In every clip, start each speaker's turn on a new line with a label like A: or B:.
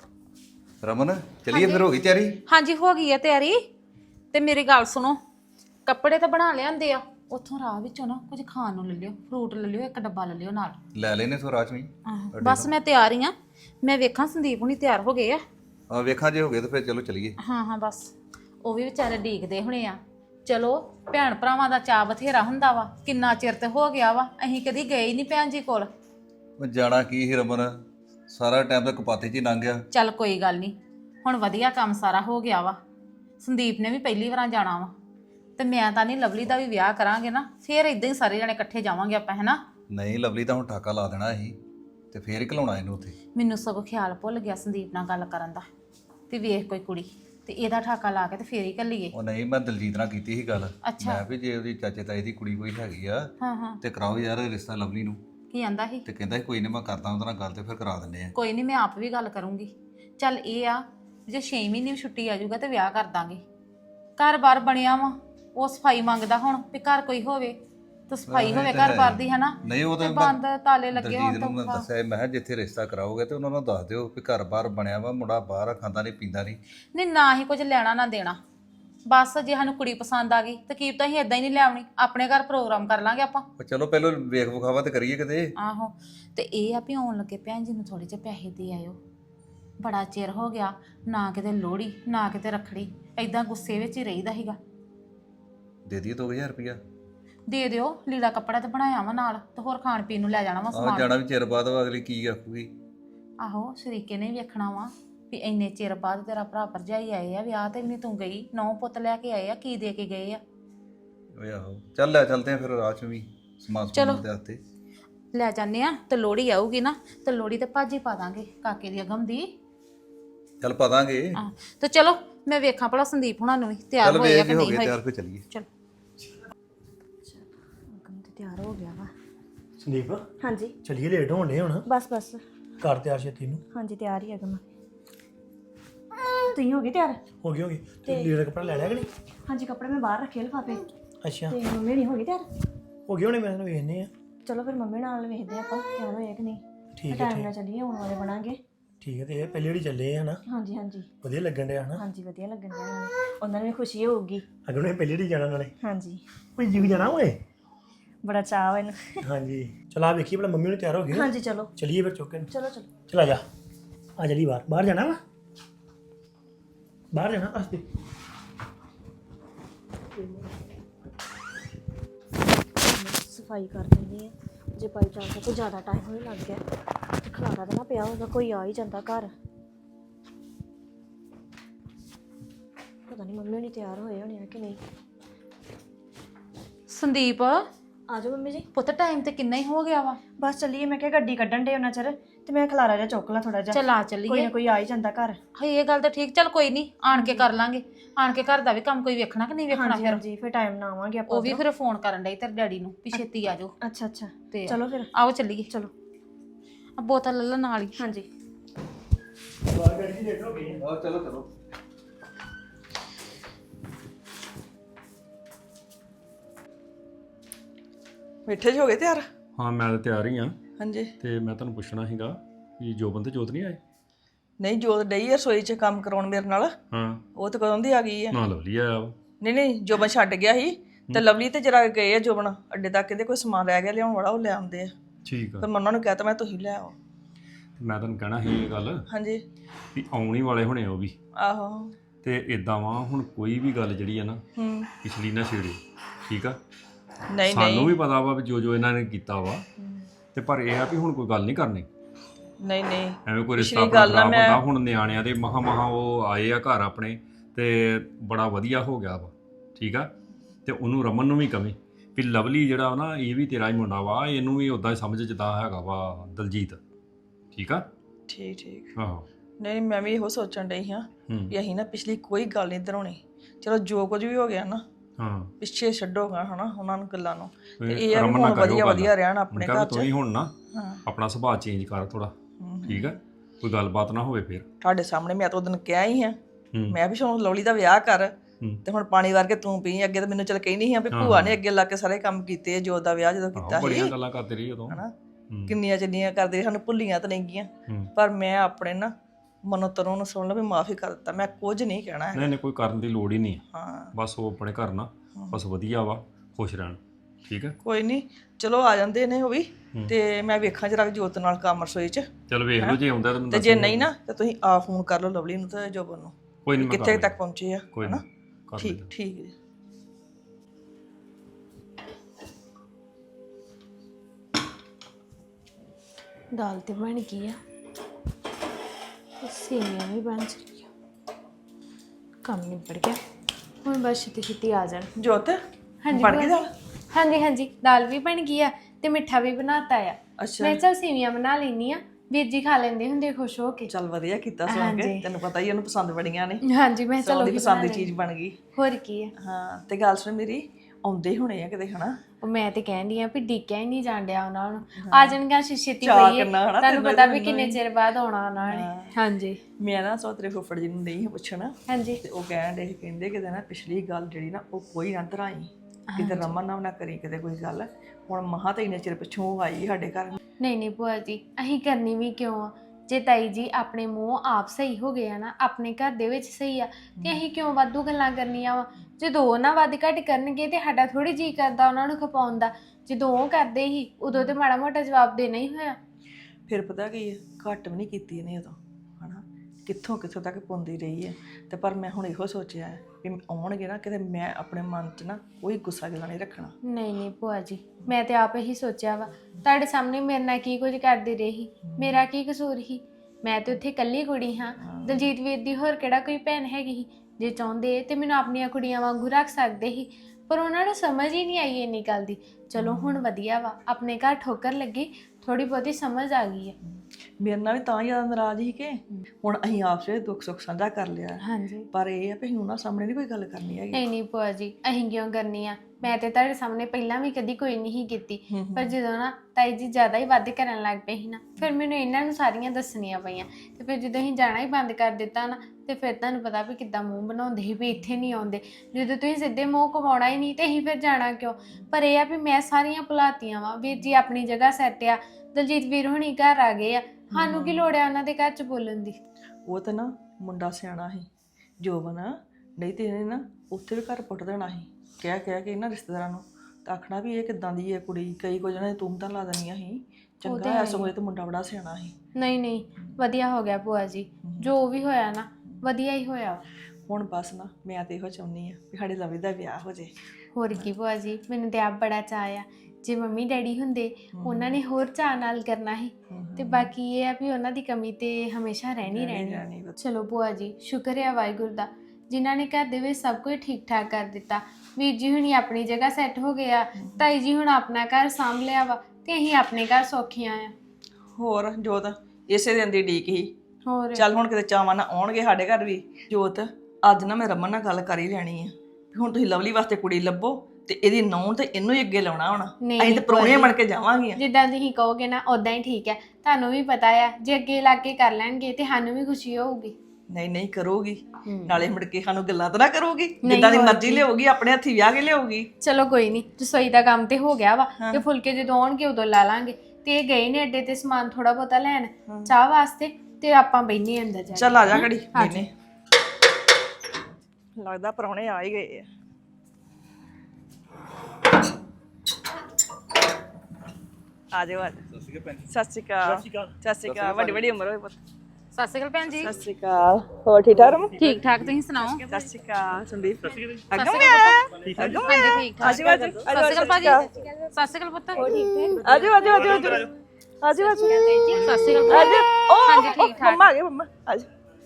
A: ਰਮਨ ਚਲੀਏ ਫਿਰ ਹੋ ਗਈ ਤਿਆਰੀ।
B: ਹਾਂਜੀ ਹੋ ਗਈ ਹੈ ਤਿਆਰੀ। ਤੇ ਮੇਰੀ ਗੱਲ ਸੁਣੋ, ਕੱਪੜੇ ਤਾਂ ਬਣਾ ਲਿਆਂਦੇ ਆ, ਉੱਥੋਂ ਰਾਹ ਵਿੱਚੋਂ ਨਾ ਕੁਝ ਖਾਣ ਨੂੰ ਲੈ ਲਿਓ, ਫਰੂਟ ਲੈ ਲਿਓ, ਇੱਕ ਡੱਬਾ ਲੈ ਲਿਓ ਨਾਲ।
A: ਲੈ ਲੈਨੇ ਸੋ ਰਾਜ ਵੀ।
B: ਬਸ ਮੈਂ ਤਿਆਰ ਹੀ ਆ। ਮੈਂ ਵੇਖਾਂ ਸੰਦੀਪ ਹੁਣੀ ਤਿਆਰ ਹੋ ਗਏ ਆ।
A: ਹਾਂ ਵੇਖਾਂ ਜੇ ਹੋ ਗਏ ਤਾਂ ਫਿਰ ਚਲੋ ਚਲੀਏ।
B: ਹਾਂ ਬਸ ਉਹ ਵੀ ਵਿਚਾਰੇ ਡੀਕਦੇ ਹੁਣੇ ਆ। ਚਲੋ ਭੈਣ ਭਰਾਵਾਂ ਦਾ ਚਾਅ ਬਥੇਰਾ ਹੁੰਦਾ ਵਾ, ਕਿੰਨਾ ਚਿਰ ਤੇ ਹੋ ਗਿਆ ਵਾ, ਅਸੀਂ ਕਦੀ ਗਏ ਹੀ ਨਹੀਂ ਭੈਣ ਜੀ ਕੋਲ।
A: ਉਹ ਜਾਣਾ ਕੀ ਸੀ ਰਮਨ, ਸਾਰਾ ਟਾਈਮ ਤਾਂ ਕਪਾਤੇ 'ਚ ਹੀ ਲੰਘ ਗਿਆ।
B: ਚੱਲ ਕੋਈ ਗੱਲ ਨਹੀਂ, ਹੁਣ ਵਧੀਆ ਕੰਮ ਸਾਰਾ ਹੋ ਗਿਆ ਵਾ। ਸੰਦੀਪ ਨੇ ਵੀ ਪਹਿਲੀ ਵਾਰਾਂ ਜਾਣਾ ਵਾ, ਤੇ ਮੈਂ ਤਾਂ ਨਹੀਂ, ਲਵਲੀ ਦਾ ਵੀ ਵਿਆਹ ਕਰਾਂਗੇ ਨਾ, ਫੇਰ ਇਦਾਂ ਹੀ ਸਾਰੇ ਜਣੇ ਇਕੱਠੇ ਜਾਵਾਂਗੇ ਆਪਾਂ, ਹੈ ਨਾ।
A: ਨਹੀਂ ਲਵਲੀ ਤਾਂ ਹੁਣ ਠਾਕਾ ਲਾ ਦੇਣਾ ਸੀ ਤੇ ਫੇਰ ਹੀ ਘਲਾਉਣਾ ਇਹਨੂੰ ਉੱਥੇ।
B: ਮੈਨੂੰ ਸਗੋਂ ਖਿਆਲ ਭੁੱਲ ਗਿਆ ਸੰਦੀਪ ਨਾਲ ਗੱਲ ਕਰਨ ਦਾ, ਵੀ ਵੇਖ ਕੋਈ ਕੁੜੀ ਤੇ ਇਹਦਾ ਠਾਕਾ ਲਾ ਕੇ ਤੇ ਫੇਰ ਹੀ ਘੱਲੀਏ।
A: ਉਹ ਨਹੀਂ, ਮੈਂ ਦਲਜੀਤ ਨਾਲ ਕੀਤੀ ਸੀ ਗੱਲ।
B: ਅੱਛਾ।
A: ਮੈਂ ਵੀ ਜੇ ਉਹਦੀ ਚਾਚੇ ਤਾਏ ਦੀ ਕੁੜੀ ਕੋਈ ਹੈਗੀ ਆ
B: ਹਾਂ
A: ਤੇ ਕਰਾਓ ਯਾਰ ਰਿਸ਼ਤਾ ਲਵਲੀ ਨੂੰ।
B: ਕੀ ਆਂਦਾ ਸੀ?
A: ਤੇ ਕਹਿੰਦਾ ਸੀ ਕੋਈ ਨਹੀਂ ਮੈਂ ਕਰਦਾ ਉਹਦੇ ਨਾਲ ਗੱਲ ਤੇ ਫਿਰ ਕਰਾ ਦਿੰਦੇ ਆ।
B: ਕੋਈ ਨਹੀਂ, ਮੈਂ ਆਪ ਵੀ ਗੱਲ ਕਰੂੰਗੀ। ਚੱਲ ਇਹ ਆ, ਜੇ 6 ਮਹੀਨੇ ਵੀ ਛੁੱਟੀ ਆ ਜਾਊਗਾ ਤੇ ਵਿਆਹ ਕਰ ਦਾਂਗੇ। ਘਰ-ਬਾਰ ਬਣਿਆ ਵਾ, ਉਹ ਸਫਾਈ ਮੰਗਦਾ ਹੁਣ ਵੀ ਘਰ ਕੋਈ ਹੋਵੇ ਤੇ ਸਫਾਈ ਹੋਵੇ ਘਰ-ਬਾਰ ਦੀ, ਹਨਾ।
A: ਨਹੀਂ ਉਹ ਤਾਂ
B: ਬੰਦ ਤਾਲੇ ਲੱਗੇ ਹੋਣ
A: ਦਲਜੀਤ ਨੂੰ ਮੈਂ ਦੱਸਿਆ, ਮੈਂ ਕਿਹਾ ਜਿੱਥੇ ਰਿਸ਼ਤਾ ਕਰਾਓਗੇ ਤੇ ਉਹਨਾਂ ਨੂੰ ਦੱਸ ਦਿਓ ਵੀ ਘਰ-ਬਾਰ ਬਣਿਆ ਵਾ, ਮੁੰਡਾ ਬਾਹਰ ਖਾਂਦਾ ਨਹੀਂ ਪੀਂਦਾ ਨਹੀਂ।
B: ਨਹੀਂ, ਨਾ ਹੀ ਕੁਝ ਲੈਣਾ ਨਾ ਦੇਣਾ, ਬਸ ਜੇ ਸਾਨੂੰ ਕੁੜੀ ਪਸੰਦ ਆ ਗਈ ਤਾਂ ਕੀ ਤਾਂ ਅਸੀਂ ਇਦਾਂ ਹੀ ਨਹੀਂ ਲਿਆਉਣੀ, ਆਪਣੇ ਘਰ ਪ੍ਰੋਗਰਾਮ ਕਰ ਲਾਂਗੇ ਆਪਾਂ।
A: ਚਲੋ ਪਹਿਲਾਂ ਵੇਖ ਵਿਖਾਵਾ ਤੇ ਕਰੀਏ ਕਿਤੇ।
B: ਆਹੋ, ਤੇ ਇਹ ਆ ਵੀ ਆਉਣ ਲੱਗੇ ਭੈਣ ਜੀ ਨੂੰ ਥੋੜੇ ਜਿਹੇ ਪੈਸੇ ਦੇ ਆਇਓ, ਬੜਾ ਚਿਰ ਹੋ ਗਿਆ, ਨਾ ਕਿਤੇ ਲੋਹੜੀ ਨਾ ਕਿਤੇ ਰੱਖੜੀ, ਐਦਾਂ ਗੁੱਸੇ ਵਿੱਚ ਹੀ ਰਹੀਦਾ ਸੀਗਾ।
A: ਦੇ ਦਈਏ 2000 ਰੁਪਇਆ।
B: ਦੇ ਦਿਓ, ਲੀੜਾ ਕੱਪੜਾ ਤੇ ਬਣਾਇਆ ਵਾ ਨਾਲ, ਤੇ ਹੋਰ ਖਾਣ ਪੀਣ ਨੂੰ ਲੈ ਜਾਣਾ ਵਾ
A: ਆਹ
B: ਸਮਾਨ।
A: ਜਾਣਾ ਵੀ ਚਿਰ ਬਾਅਦ ਵਾ, ਅਗਲੀ ਕੀ ਆਖੂਗੀ।
B: ਆਹੋ, ਸ਼ਰੀਕੇ ਨੇ ਵੇਖਣਾ ਵਾ ਵੀ ਇੰਨੇ ਚਿਰ ਬਾਅਦ ਤੇਰਾ ਭਰਾ ਭਰਜਾਈ ਆਏ ਆ, ਵਿਆਹ ਤੇ ਵੀ ਨਹੀਂ ਤੂੰ ਗਈ, 9 ਪੁੱਤ ਲੈ ਕੇ ਆਏ ਆ, ਕੀ ਦੇ ਕੇ ਗਏ ਆ।
A: ਓਏ ਆਹੋ, ਚੱਲ ਲੈ ਚਲਦੇ ਆ ਫਿਰ ਰਾਤ ਚ ਵੀ ਸਮਾਨ ਸਮੂਨ ਦੇ ਹੱਥੇ
B: ਲੈ ਜਾਂਦੇ ਆ। ਤੇ ਲੋਹੜੀ ਆਊਗੀ ਨਾ, ਤੇ ਲੋਹੜੀ ਤੇ ਭਾਜੀ ਪਾ ਦਾਂਗੇ ਕਾਕੇ ਦੀ ਅਗਮ ਦੀ।
A: ਚੱਲ ਪਾ ਦਾਂਗੇ।
B: ਤੇ ਚਲੋ ਮੈਂ ਵੇਖਾਂ ਭਲਾ ਸੰਦੀਪ ਹੁਣਾਂ ਨੂੰ ਵੀ ਤਿਆਰ ਹੋਏ ਆ ਕਿ ਨਹੀਂ ਹੋਏ।
A: ਤਿਆਰ ਫਿਰ ਚੱਲੀਏ।
B: ਚਲੋ ਅਗਮ ਤੇ ਤਿਆਰ ਹੋ ਗਿਆ ਵਾ।
C: ਸੰਦੀਪ
D: ਹਾਂਜੀ
C: ਚਲੀਏ, ਲੇਟ ਹੋਣ ਡੇ ਹੁਣ।
D: ਬਸ
C: ਘਰ ਤਿਆਰ ਛੇਤੀ ਨੂੰ।
D: ਹਾਂਜੀ ਤਿਆਰ ਹੀ ਅਗਮ। ਤੁਸੀਂ ਹੋ ਗਏ ਤਿਆਰ?
C: ਹੋ ਗਈ ਤੇ ਲੀੜਾ ਕੱਪੜਾ ਲੈ ਲਿਆ ਕਿ ਨਹੀਂ?
D: ਹਾਂਜੀ ਕੱਪੜੇ ਮੈਂ ਬਾਹਰ ਰੱਖੇ ਲਿਫਾਫੇ।
C: ਅੱਛਾ
D: ਤੇ ਮੰਮੀ ਨਹੀਂ ਹੋ ਗਈ ਤਿਆਰ?
C: ਹੋ ਗਏ ਹੋਣੇ, ਮੈਂ ਤਾਂ ਵੇਖਨੇ ਆ।
D: ਚਲੋ ਫਿਰ ਮੰਮੀ ਨਾਲ ਵੇਖਦੇ ਆਪਾਂ ਤਿਆਰ ਹੋਏ ਕਿ ਨਹੀਂ।
C: ਠੀਕ ਹੈ
D: ਟਾਈਮ ਨਾਲ ਚੱਲੀਏ, ਆਉਣ ਵਾਲੇ ਬਣਾਂਗੇ।
C: ਠੀਕ ਹੈ। ਤੇ ਇਹ ਪਹਿਲੀ ਵਾਰੀ ਚੱਲੇ ਆ ਨਾ,
D: ਹਾਂਜੀ ਹਾਂਜੀ
C: ਵਧੀਆ ਲੱਗਣ ਡਿਆ ਹਨਾ।
D: ਹਾਂਜੀ ਵਧੀਆ ਲੱਗਣ ਡਿਆ ਨਾਲੇ, ਉਹਨਾਂ ਨੂੰ ਵੀ ਖੁਸ਼ੀ ਹੋਊਗੀ।
C: ਅਗਰ ਨੇ ਪਹਿਲੀ ਵਾਰੀ ਜਾਣਾ ਨਾਲੇ।
D: ਹਾਂਜੀ
C: ਕੋਈ ਜੀਵ ਜਾਣਾ ਓਏ।
D: ਬੜਾ ਚਾਅ ਵਾ ਇਹਨੂੰ।
C: ਹਾਂਜੀ ਚਲ ਆ ਵੇਖੀ ਭਲਾ ਮੰਮੀ ਨੂੰ ਤਿਆਰ ਹੋ ਗਏ।
D: ਹਾਂਜੀ ਚਲੋ
C: ਚਲੀਏ ਫਿਰ ਚੁੱਕ ਕੇ।
D: ਚਲੋ ਚਲੋ
C: ਚਲਾ ਜਾ, ਆ ਚਲੀ ਬਾਹਰ ਜਾਣਾ ਵਾ, ਬਾਹਰ ਜਾਣਾ ਅਸਤੇ।
D: ਸਫਾਈ ਕਰ ਦਿੰਦੇ ਆ, ਜੇ ਬਾਈ ਚਾਂਸ ਕੋਈ ਜ਼ਿਆਦਾ ਟਾਈਮ ਨਹੀਂ ਲੱਗ ਗਿਆ ਤੇ ਖਲਾਰਾ ਤਾਂ ਨਾ ਪਿਆ ਹੋਊਗਾ, ਕੋਈ ਆ ਹੀ ਜਾਂਦਾ ਘਰ। ਪਤਾ ਨਹੀਂ ਮੰਮੀ ਹੁਣੀ ਤਿਆਰ ਹੋਏ ਹੋਣੇ ਆ ਕਿ ਨਹੀਂ।
B: ਸੰਦੀਪ
D: ਆ ਜਾਓ ਮੰਮੀ ਜੀ।
B: ਪੁੱਤ ਟਾਈਮ ਤੇ ਕਿੰਨਾ ਹੀ ਹੋ ਗਿਆ ਵਾ।
D: ਬਸ ਚੱਲੀਏ, ਮੈਂ ਕਿਹਾ ਗੱਡੀ ਕੱਢਣ ਦੇ ਉਹਨਾਂ ਚਿਰ ਤੇ ਮੈਂ ਖਲਾਰਾ ਜਿਹਾ ਚੁੱਕ ਲਾ ਥੋੜਾ ਜਿਹਾ।
B: ਚੱਲ ਆ
D: ਕੋਈ
B: ਚੱਲੀਏ।
D: ਨਾ ਕੋਈ ਆ ਹੀ ਜਾਂਦਾ ਘਰ।
B: ਹਏ ਇਹ ਗੱਲ ਤਾਂ ਠੀਕ, ਚੱਲ ਕੋਈ ਨਹੀਂ, ਆਣ ਕੇ ਕਰ ਲਾਂਗੇ। ਆਣ ਕੇ ਘਰ ਦਾ ਵੀ ਕੰਮ ਕੋਈ ਵੇਖਣਾ ਕਿ ਨਹੀਂ ਵੇਖਣਾ।
D: ਹਾਂਜੀ
B: ਫਿਰ
D: ਹਾਂਜੀ ਫਿਰ ਟਾਈਮ ਨਾਲ ਆਵਾਂਗੇ ਆਪਾਂ।
B: ਉਹ ਵੀ ਫਿਰ ਫੋਨ ਕਰਨ ਡਈ ਤੇਰੇ ਡੈਡੀ ਨੂੰ ਵੀ ਛੇਤੀ ਆ ਜਾਓ।
D: ਅੱਛਾ ਅੱਛਾ
B: ਤੇ
D: ਚਲੋ ਫਿਰ
B: ਆਓ ਚੱਲੀਏ।
D: ਚਲੋ
B: ਆ ਬੋਤਲ ਲੈ ਲਾ ਨਾਲ ਹੀ।
D: ਹਾਂਜੀ
C: ਬਾਹਰ ਗੱਡੀ ਦੀ ਲੇਟ ਹੋ ਗਈ।
A: ਆਹ ਚਲੋ
E: ਮਿੱਠੇ ਜਿਹੇ ਹੋ ਗਏ ਤਿਆਰ?
F: ਹਾਂ ਮੈਂ ਤਾਂ ਤਿਆਰ ਹੀ ਹਾਂ।
E: ਹਾਂਜੀ।
F: ਤੇ ਮੈਂ ਤੁਹਾਨੂੰ ਪੁੱਛਣਾ ਸੀਗਾ ਕਿ ਜੋਬਨ ਤੇ ਜੋਤ ਨਹੀਂ ਆਏ?
E: ਨਹੀਂ ਜੋਤ ਡਈ ਆ ਰਸੋਈ 'ਚ ਕੰਮ ਕਰਾਉਣ ਮੇਰੇ ਨਾਲ।
F: ਹਾਂ
E: ਉਹ ਤਾਂ ਕਦੋਂ ਦੀ ਆ ਗਈ ਆ।
F: ਨਾ ਲਵਲੀ ਆਇਆ ਵਾ।
E: ਨਹੀਂ ਜੋਬਨ ਛੱਡ ਗਿਆ ਸੀ ਤੇ ਲਵਲੀ ਤੇ ਜਰਾ ਗਏ ਆ ਜੋਬਨ ਅੱਡੇ ਤੱਕ, ਕਹਿੰਦੇ ਕੋਈ ਸਮਾਨ ਰਹਿ ਗਿਆ ਲਿਆਉਣ ਵਾਲਾ, ਉਹ ਲੈ ਆਉਂਦੇ ਆ।
F: ਠੀਕ ਆ।
E: ਫਿਰ ਮੈਂ ਉਹਨਾਂ ਨੂੰ ਕਹਿਤਾ ਮੈਂ ਤੁਸੀਂ ਲੈ ਆਓ।
F: ਮੈਂ ਤੁਹਾਨੂੰ ਕਹਿਣਾ ਸੀ ਇਹ ਗੱਲ
E: ਹਾਂਜੀ।
F: ਵੀ ਆਉਣ ਹੀ ਵਾਲੇ ਹੋਣੇ ਉਹ ਵੀ।
E: ਆਹੋ।
F: ਤੇ ਇਦਾਂ ਵਾ ਹੁਣ ਕੋਈ ਵੀ ਗੱਲ ਜਿਹੜੀ ਆ ਨਾ
E: ਹੂੰ।
F: ਪਿਛਲੀ ਨਾ ਛੇੜਿਓ, ਠੀਕ ਆ?
E: ਨਹੀਂ
F: ਸਾਨੂੰ ਵੀ ਪਤਾ ਵਾ ਵੀ ਜੋ ਇਹਨਾਂ ਨੇ ਕੀਤਾ ਵਾ, ਤੇ ਪਰ ਇਹ ਆ ਵੀ ਹੁਣ ਕੋਈ ਗੱਲ ਨਹੀਂ ਕਰਨੀ।
E: ਨਹੀਂ
F: ਐਵੇਂ ਕੋਈ ਰਿਸ਼ਤਾ ਖਰਾਬ ਹੁੰਦਾ। ਹੁਣ ਨਿਆਣਿਆਂ ਦੇ ਮਹਾ ਉਹ ਆਏ ਆ ਘਰ ਆਪਣੇ, ਤੇ ਬੜਾ ਵਧੀਆ ਹੋ ਗਿਆ ਵਾ, ਠੀਕ ਆ? ਤੇ ਉਹਨੂੰ ਰਮਨ ਨੂੰ ਵੀ ਕਵੇਂ ਵੀ ਲਵਲੀ ਜਿਹੜਾ ਨਾ ਇਹ ਵੀ ਤੇਰਾ ਹੀ ਮੁੰਡਾ ਵਾ, ਇਹਨੂੰ ਵੀ ਉਦਾਂ ਹੀ ਸਮਝ ਜਿੱਦਾਂ ਹੈਗਾ ਵਾ ਦਲਜੀਤ, ਠੀਕ ਆ?
E: ਠੀਕ।
F: ਆਹੋ।
E: ਨਹੀਂ ਮੈਂ ਵੀ ਇਹੋ ਸੋਚਣ ਡਈ ਹਾਂ
F: ਹੂੰ।
E: ਵੀ ਅਸੀਂ ਨਾ ਪਿਛਲੀ ਕੋਈ ਗੱਲ ਨਹੀਂ ਦਰਾਉਣੀ। ਚਲੋ ਜੋ ਕੁਝ ਵੀ ਹੋ ਗਿਆ ਨਾ
F: ਹਾਂ
E: ਪਿੱਛੇ ਛੱਡੋਗਾ ਹਨਾ ਉਹਨਾਂ ਨੂੰ ਗੱਲਾਂ ਨੂੰ। ਤੇ
F: ਤੇ
E: ਇਹ ਆ ਵੀ
F: ਰਮਨ ਨਾਲ
E: ਹੁਣ
F: ਕਰਿਓ
E: ਵਧੀਆ
F: ਗੱਲ।
E: ਰਹਿਣ ਆਪਣੇ
F: ਮੈਂ ਕਿਹਾ
E: ਘਰ
F: ਤੂੰ ਹੀ
E: 'ਚ।
F: ਹੁਣ ਨਾ
E: ਹਾਂ।
F: ਆਪਣਾ ਸੁਭਾਅ ਚੇਂਜ ਕਰ ਥੋੜਾ, ਠੀਕ ਆ? ਕੋਈ ਗੱਲਬਾਤ ਨਾ ਹੋਵੇ ਫਿਰ।
E: ਤੁਹਾਡੇ ਸਾਹਮਣੇ ਮੈਂ ਤਾਂ ਉਦੋਂ ਕਿਹਾ ਹੀ ਹਾਂ,
F: ਹੂੰ।
E: ਮੈਂ ਵੀ ਹੁਣ ਲਵਲੀ ਦਾ ਵਿਆਹ ਕਰ
F: ਹੂੰ।
E: ਤੇ ਹੁਣ ਪਾਣੀ ਵਾਰ ਕੇ ਤੂੰ ਪੀ। ਅੱਗੇ ਤਾਂ ਮੈਨੂੰ ਚਲ ਕਹੀ ਨਹੀਂ ਆ ਵੀ ਭੂਆ ਨੇ ਅੱਗੇ ਲਾ ਕੇ ਸਾਰੇ ਕੰਮ ਕੀਤੇ, ਜੋਤ ਦਾ ਵਿਆਹ ਜਦੋਂ ਕੀਤਾ
F: ਆਹੋ, ਬੜੀਆਂ
E: ਸੀ
F: ਗੱਲਾਂ ਕਰਦੇ ਰਹੀ ਉਦੋਂ।
E: ਹਨਾ,
F: ਹੂੰ।
E: ਕਿੰਨੀਆਂ ਚੰਨੀਆਂ ਕਰਦੇ ਸਾਨੂੰ ਭੁੱਲੀਆਂ ਤਾਂ ਨਹੀਂ ਗਈਆਂ।
F: ਹੂੰ।
E: ਪਰ ਮੈਂ ਆਪਣੇ ਨਾ ਮਨੋਂ ਤਰੋਂ ਨੂੰ ਸੁਣ ਲਓ ਵੀ ਮਾਫੀ ਕਰ ਦਿੱਤਾ, ਮੈਂ ਕੁਝ ਨਹੀਂ ਕਹਿਣਾ ਹੈ।
F: ਨਹੀਂ ਨਹੀਂ ਕੋਈ ਕਰਨ ਦੀ ਲੋੜ ਹੀ ਨਹੀਂ ਹੈ।
E: ਹਾਂ
F: ਬਸ ਉਹ ਆਪਣੇ ਘਰ ਨਾ ਬਸ ਵਧੀਆ ਵਾ, ਖੁਸ਼ ਰਹਿਣ। ਠੀਕ ਹੈ,
E: ਕੋਈ ਨਹੀਂ, ਚਲੋ ਆ ਜਾਂਦੇ ਨੇ ਉਹ ਵੀ, ਤੇ ਮੈਂ ਵੇਖਾਂ ਜਰਾ ਜੋਤ ਨਾਲ ਕੰਮ ਰਸੋਈ 'ਚ,
F: ਚਲ ਵੇਖ ਲਓ ਜੇ ਆਉਂਦਾ ਤਾਂ ਮੈਨੂੰ
E: ਤੇ ਜੇ ਨਹੀਂ ਨਾ ਤੇ ਤੁਸੀਂ ਆ ਫੋਨ ਕਰ ਲਓ ਲਵਲੀ ਨੂੰ ਤੇ ਜੋਬਨ ਨੂੰ,
F: ਕੋਈ ਨਹੀਂ, ਮੈਂ
E: ਕਿੱਥੇ
F: ਕਰ
E: ਤੱਕ ਪਹੁੰਚੇ ਆ।
F: ਕੋਈ
E: ਹਨਾ?
F: ਨਹੀਂ ਕਰ
E: ਠੀਕ ਠੀਕ ਜੀ।
D: ਦਾਲ ਤੇ ਬਣ ਗਈ ਆ ਤੇ ਸੇਵੀਆਂ ਵੀ ਬਣ ਚੁੱਕੀਆਂ, ਕੰਮ ਨਿਬੜ ਗਿਆ। ਹੁਣ ਬਸ ਛੇਤੀ ਛੇਤੀ ਆ ਜਾਣ।
E: ਜੋਤ
B: ਹਾਂਜੀ
E: ਬਣ ਗਈ
B: ਭੂਆ
E: ਦਾਲ?
B: ਜੀ। ਹਾਂਜੀ ਹਾਂਜੀ, ਦਾਲ ਵੀ ਬਣ ਗਈ ਆ ਤੇ ਮਿੱਠਾ ਵੀ ਬਣਾਤਾ ਆ।
E: ਅੱਛਾ
B: ਮੈਂ ਚੱਲ ਸੇਵੀਆਂ ਬਣਾ ਲੈਣੀ ਆ, ਵੀਰ ਜੀ ਖਾ ਲੈਂਦੇ ਹੁੰਦੇ ਖੁਸ਼ ਹੋ ਕੇ।
E: ਚੱਲ ਵਧੀਆ ਕੀਤਾ ਸੁਣ ਕੇ, ਤੈਨੂੰ ਪਤਾ ਹੀ ਉਹਨੂੰ ਪਸੰਦ ਬੜੀਆਂ ਨੇ।
B: ਹਾਂਜੀ ਮੈਂ ਚਲੋ
E: ਉਹਦੀ
B: ਵੀ
E: ਪਸੰਦ ਦੀ
B: ਬਣਾ
E: ਚੀਜ਼ ਬਣ ਗਈ।
B: ਲੈਂਦੀ। ਹੋਰ ਕੀ ਆ।
E: ਹਾਂ ਤੇ ਗੱਲ ਸੁਣ ਮੇਰੀ, ਆਉਂਦੇ ਹੋਣੇ ਆ ਕਿਤੇ ਹਨਾ?
B: ਉਹ ਮੈਂ ਤੇ ਕਹਿੰਦੀ ਆ ਵੀ ਡਿੱਕਿਆ ਹੀ ਨਹੀਂ ਜਾਣ ਡਿਆ ਉਹਨਾਂ ਨੂੰ, ਆ ਜਾਣਗਾ ਛੇਤੀ
E: ਚਾਅ
B: ਪਈ ਹੈ।
E: ਕਿੰਨਾ ਹਨਾ
B: ਤੁਹਾਨੂੰ
E: ਤੈਨੂੰ
B: ਪਤਾ ਵੀ
E: ਇਹਦੇ
B: ਕਿੰਨੇ ਚਿਰ ਬਾਅਦ ਆਉਣਾ ਉਹਨਾਂ ਨੇ। ਹਾਂਜੀ
E: ਮੈਂ ਨਾ ਸੋ ਤੇਰੇ ਫੁੱਫੜ ਜੀ ਨੂੰ ਨਹੀਂ ਪੁੱਛਣਾ,
B: ਹਾਂਜੀ
E: ਤੇ ਉਹ ਕਹਿਣ ਦੇ ਕਹਿੰਦੇ ਕਿਤੇ ਨਾ ਪਿਛਲੀ ਗੱਲ ਜਿਹੜੀ ਨਾ ਉਹ ਕੋਈ ਨਾ ਧਰਾਈ, ਕਿਤੇ ਰਮਨ ਨਾਲ ਨਾ ਕਰੀ ਕਿਤੇ ਕੋਈ ਗੱਲ। ਹੁਣ ਮਹਾ ਤੇ ਇੰਨੇ ਚਿਰ ਪਿੱਛੋਂ ਆਈ ਸਾਡੇ ਘਰ।
B: ਨਹੀਂ ਨਹੀਂ ਭੂਆ ਜੀ, ਅਸੀਂ ਕਰਨੀ ਵੀ ਕਿਉਂ ਆ? ਜੇ ਤਾਈ ਜੀ ਆਪਣੇ ਮੂੰਹ ਆਪ ਸਹੀ ਹੋ ਗਏ ਆ ਨਾ, ਆਪਣੇ ਘਰ ਦੇ ਵਿੱਚ ਸਹੀ ਆ, ਤੇ ਅਸੀਂ ਕਿਉਂ ਵਾਧੂ ਗੱਲਾਂ ਕਰਨੀਆਂ ਵਾ? ਜਦੋਂ ਉਹ ਨਾ ਵੱਧ ਘੱਟ ਕਰਨਗੇ ਤੇ ਸਾਡਾ ਥੋੜੀ ਜੀ ਕਰਦਾ ਉਹਨਾਂ ਨੂੰ ਖਪਾਉਣ ਦਾ। ਜਦੋਂ ਉਹ ਕਰਦੇ ਹੀ ਉਦੋਂ ਤੇ ਮਾੜਾ ਮੋਟਾ ਜਵਾਬ ਦੇਣਾ ਹੀ ਹੋਇਆ।
E: ਫਿਰ ਪਤਾ ਕੀ ਹੈ, ਘੱਟ ਵੀ ਨਹੀਂ ਕੀਤੀ ਇਹਨੇ ਉਦੋਂ ਹਨਾ, ਕਿੱਥੋਂ ਕਿੱਥੋਂ ਤੱਕ ਪਾਉਂਦੀ ਰਹੀ ਹੈ। ਤੇ ਪਰ ਮੈਂ ਹੁਣ ਇਹੋ ਸੋਚਿਆ ਹੈ ਵੀ ਆਉਣਗੇ ਨਾ ਕਿਤੇ, ਮੈਂ ਆਪਣੇ ਮਨ 'ਚ ਨਾ ਕੋਈ ਗੁੱਸਾ ਗਿਲਾ ਨਹੀਂ ਰੱਖਣਾ।
B: ਨਹੀਂ ਨਹੀਂ ਭੂਆ ਜੀ, ਮੈਂ ਤੇ ਆਪ ਇਹੀ ਸੋਚਿਆ ਵਾ। ਤੁਹਾਡੇ ਸਾਹਮਣੇ ਮੇਰੇ ਨਾਲ ਕੀ ਕੁਝ ਕਰਦੀ ਰਹੀ, ਮੇਰਾ ਕੀ ਕਸੂਰ ਸੀ? ਮੈਂ ਤੇ ਉੱਥੇ ਇਕੱਲੀ ਕੁੜੀ ਹਾਂ, ਦਲਜੀਤ ਵੀਰ ਦੀ ਹੋਰ ਕਿਹੜਾ ਕੋਈ ਭੈਣ ਹੈਗੀ ਸੀ? ਜੇ ਚਾਹੁੰਦੇ ਤੇ ਮੈਨੂੰ ਆਪਣੀਆਂ ਕੁੜੀਆਂ ਵਾਂਗੂ ਰੱਖ ਸਕਦੇ ਸੀ, ਪਰ ਉਹਨਾਂ ਨੂੰ ਸਮਝ ਹੀ ਨਹੀਂ ਆਈ ਇੰਨੀ ਗੱਲ ਦੀ। ਚਲੋ ਹੁਣ ਵਧੀਆ ਵਾ, ਆਪਣੇ ਘਰ ਠੋਕਰ ਲੱਗੀ, ਥੋੜੀ ਬਹੁਤੀ ਸਮਝ ਆ ਗਈ ਹੈ।
E: ਮੇਰੇ ਨਾਲ ਵੀ ਤਾਂ ਹੀ ਜ਼ਿਆਦਾ ਨਾਰਾਜ਼ ਸੀ ਕਿ ਹੁਣ ਅਸੀਂ ਆਪਸ ਵਿੱਚ ਦੁੱਖ ਸੁੱਖ ਸਾਂਝਾ ਕਰ ਲਿਆ,
B: ਹਾਂਜੀ
E: ਪਰ ਇਹ ਆ ਵੀ ਅਸੀਂ ਉਹਨਾਂ ਸਾਹਮਣੇ ਨਹੀਂ ਕੋਈ ਗੱਲ ਕਰਨੀ ਹੈਗੀ।
B: ਨਹੀਂ ਨਹੀਂ ਭੂਆ ਜੀ, ਅਸੀਂ ਕਿਉਂ ਕਰਨੀ ਆ? ਮੈਂ ਤੇ ਤੁਹਾਡੇ ਸਾਹਮਣੇ ਪਹਿਲਾਂ ਵੀ ਕਦੀ ਕੋਈ ਨਹੀਂ ਕੀਤੀ, ਪਰ ਜਦੋਂ ਨਾ ਤਾਈ ਜੀ ਜ਼ਿਆਦਾ ਹੀ ਵੱਧ ਕਰਨ ਲੱਗ ਪਏ ਸੀ ਨਾ, ਫਿਰ ਮੈਨੂੰ ਇਹਨਾਂ ਨੂੰ ਸਾਰੀਆਂ ਦੱਸਣੀਆਂ ਪਈਆਂ। ਤੇ ਫਿਰ ਜਦੋਂ ਅਸੀਂ ਜਾਣਾ ਹੀ ਬੰਦ ਕਰ ਦਿੱਤਾ ਨਾ, ਤੇ ਫਿਰ ਤੁਹਾਨੂੰ ਪਤਾ ਵੀ ਕਿੱਦਾਂ ਮੂੰਹ ਬਣਾਉਂਦੇ ਸੀ ਵੀ ਇੱਥੇ ਨਹੀਂ ਆਉਂਦੇ। ਜਦੋਂ ਤੁਸੀਂ ਸਿੱਧੇ ਮੂੰਹ ਕਮਾਉਣਾ ਹੀ ਨਹੀਂ ਤੇ ਅਸੀਂ ਫਿਰ ਜਾਣਾ ਕਿਉਂ? ਪਰ ਇਹ ਆ ਵੀ ਮੈਂ ਸਾਰੀਆਂ ਭੁਲਾਤੀਆਂ ਵਾ। ਵੀਰ ਜੀ ਆਪਣੀ ਜਗ੍ਹਾ ਸੈੱਟ ਆ, ਦਲਜੀਤ ਵੀਰ ਹੁਣੀ ਘਰ ਆ ਗਏ ਆ, ਸਾਨੂੰ ਕੀ ਲੋੜ ਆ ਉਹਨਾਂ ਦੇ ਘਰ 'ਚ ਬੋਲਣ ਦੀ?
E: ਉਹ ਤਾਂ ਨਾ ਮੁੰਡਾ ਸਿਆਣਾ ਸੀ ਜੋਬਨ, ਨਹੀਂ ਤੇ ਇਹਨੇ ਨਾ ਉੱਥੇ ਵੀ ਘਰ ਪੁੱਟ ਦੇਣਾ ਸੀ, ਕਹਿ ਕੇ ਇਹਨਾਂ ਰਿਸ਼ਤੇਦਾਰਾਂ ਨੂੰ ਤਾਂ ਆਖਣਾ ਵੀ ਇਹ ਕਿੱਦਾਂ ਦੀ ਹੈ ਕੁੜੀ। ਕਈ ਕੁਝ ਨੇ ਤੂੰ ਤਾਂ ਲਾ ਦੇਣੀਆਂ ਸੀ। ਚੰਗਾ ਐ ਸਗੋਂ ਇਹ ਤਾਂ ਮੁੰਡਾ ਬੜਾ ਸਿਆਣਾ ਸੀ।
B: ਨਹੀਂ ਨਹੀਂ, ਵਧੀਆ ਹੋ ਗਿਆ ਭੂਆ ਜੀ, ਜੋ ਵੀ ਹੋਇਆ ਨਾ ਵਧੀਆ ਹੀ ਹੋਇਆ।
E: ਹੁਣ ਬਸ ਨਾ ਮੈਂ ਤੇ ਇਹੋ ਚਾਹੁੰਦੀ ਆ ਵੀ ਸਾਡੇ ਲਵਲੀ ਦਾ ਵਿਆਹ ਹੋ ਜੇ।
B: ਹੋਰ ਕੀ ਭੂਆ ਜੀ, ਮੈਨੂੰ ਤੇ ਆਪ ਬੜਾ ਚਾਅ ਆ। ਜੇ ਮੰਮੀ ਡੈਡੀ ਹੁੰਦੇ ਉਹਨਾਂ ਨੇ ਹੋਰ ਚਾਅ ਨਾਲ ਕਰਨਾ ਸੀ, ਤੇ ਬਾਕੀ ਇਹ ਆ ਵੀ ਉਹਨਾਂ ਦੀ ਕਮੀ ਤੇ ਹਮੇਸ਼ਾ ਰਹਿਣੀ। ਚਲੋ ਭੂਆ ਜੀ, ਸ਼ੁਕਰ ਹੈ ਵਾਹਿਗੁਰੂ ਦਾ ਜਿਨ੍ਹਾਂ ਨੇ ਘਰ ਦੇ ਵਿੱਚ ਸਭ ਕੁਝ ਠੀਕ ਠਾਕ ਕਰ ਦਿੱਤਾ। ਵੀਰ ਜੀ ਹੁਣੀ ਆਪਣੀ ਜਗ੍ਹਾ ਸੈੱਟ ਹੋ ਗਿਆ, ਤਾਈ ਜੀ ਹੁਣ ਆਪਣਾ ਘਰ ਸਾਂਭ ਲਿਆ ਵਾ, ਤੇ ਅਸੀਂ ਆਪਣੇ ਘਰ ਸੌਖੀਆਂ ਆ।
E: ਹੋਰ ਜੋਤ ਇਸੇ ਦਿਨ ਦੀ ਢੀਕ ਹੀ।
B: ਹੋਰ
E: ਚੱਲ ਹੁਣ ਕਿਤੇ ਚਾਵਾਂ ਨਾਲ ਆਉਣਗੇ ਸਾਡੇ ਘਰ ਵੀ। ਜੋਤ ਅੱਜ ਨਾ ਮੈਂ ਰਮਨ ਨਾਲ ਗੱਲ ਕਰ ਹੀ ਲੈਣੀ ਆ, ਹੁਣ ਤੁਸੀਂ ਲਵਲੀ ਵਾਸਤੇ ਕੁੜੀ ਲੱਭੋ ਤੇ ਇਹਦੀ ਨੌਂ ਤੇ ਇਹਨੂੰ ਹੀ ਅੱਗੇ ਲਾਉਣਾ ਹੋਣਾ। ਅਸੀਂ ਤੇ ਪ੍ਰਾਹੁਣੀਆਂ ਬਣ ਕੇ ਜਾਵਾਂਗੀਆਂ।
B: ਜਿੱਦਾਂ ਤੁਸੀਂ ਕਹੋਗੇ ਨਾ ਉਦਾਂ ਹੀ ਠੀਕ ਹੈ। ਤੁਹਾਨੂੰ ਵੀ ਪਤਾ ਆ ਜੇ ਅੱਗੇ ਲਾ ਕੇ ਕਰ ਲੈਣਗੇ ਤੇ ਸਾਨੂੰ ਵੀ ਖੁਸ਼ੀ ਹੋਊਗੀ।
E: ਨਹੀਂ ਕਰੂਗੀ, ਨਾਲੇ ਮੁੜ ਕੇ ਸਾਨੂੰ ਗੱਲਾਂ ਤਾਂ ਨਾ ਕਰੂਗੀ, ਜਿੱਦਾਂ ਦੀ ਮਰਜ਼ੀ ਲਿਆਉਗੀ, ਆਪਣੇ ਹੱਥੀ ਵਿਆਹ ਕੇ ਲਿਆਉਗੀ।
B: ਚਲੋ ਕੋਈ ਨਹੀਂ, ਰਸੋਈ ਦਾ ਕੰਮ ਤੇ ਹੋ ਗਿਆ ਵਾ, ਤੇ ਫੁਲਕੇ ਜਦੋਂ ਆਉਣਗੇ ਉਦੋਂ ਲਾ ਲਾਂਗੇ। ਤੇ ਇਹ ਗਏ ਨੇ ਅੱਡੇ ਤੇ ਸਮਾਨ ਥੋੜਾ ਬਹੁਤਾ ਲੈਣ ਚਾਹ ਵਾਸਤੇ, ਤੇ ਆਪਾਂ ਬੈਠੇ ਅੰਦਰ ਜਾ।
E: ਚੱਲ ਆ ਜਾ ਘੜੀ ਬੈਨੇ, ਲੱਗਦਾ ਪ੍ਰਾਹੁਣੇ ਆ ਹੀ ਗਏ ਆ। ਆ ਜਾਓ ਸਤਿ ਸ਼੍ਰੀ ਅਕਾਲ। ਸਤਿ ਸ਼੍ਰੀ ਅਕਾਲ। ਵੱਡੀ ਉਮਰ ਹੋਏ ਪੁੱਤ।
B: ਸਤਿ ਸ਼੍ਰੀ ਅਕਾਲ ਭੈਣ ਜੀ।
E: ਸਤਿ ਸ਼੍ਰੀ ਅਕਾਲ। ਹੋਰ ਠੀਕ ਠਾਕ ਰਮ?
B: ਠੀਕ ਠਾਕ, ਤੁਸੀਂ ਸੁਣਾਓ?
E: ਸਤਿ ਸ਼੍ਰੀ ਅਕਾਲ ਸੰਦੀਪ।
B: ਸਤਿ ਸ਼੍ਰੀ
E: ਅੱਗੋਂ ਆਇਆ
B: ਹਾਂਜੀ ਠੀਕ ਠਾਕ।
E: ਆਜੋ ਆਜੋ
B: ਸਤਿ ਸ਼੍ਰੀ ਅਕਾਲ ਭਾਜੀ। ਸਤਿ ਸ਼੍ਰੀ ਅਕਾਲ ਪੁੱਤ।
E: ਆਜੋ ਆਜੋ ਆਜੋ ਆਜੋ ਆਜੋ ਆਜੋ
B: ਸਤਿ ਸ਼੍ਰੀ ਅਕਾਲ।
E: ਹਾਂਜੀ
B: ਠੀਕ ਠਾਕ।
E: ਮੰਮਾ ਆ ਗਏ ਮੰਮਾ ਆਜੋ।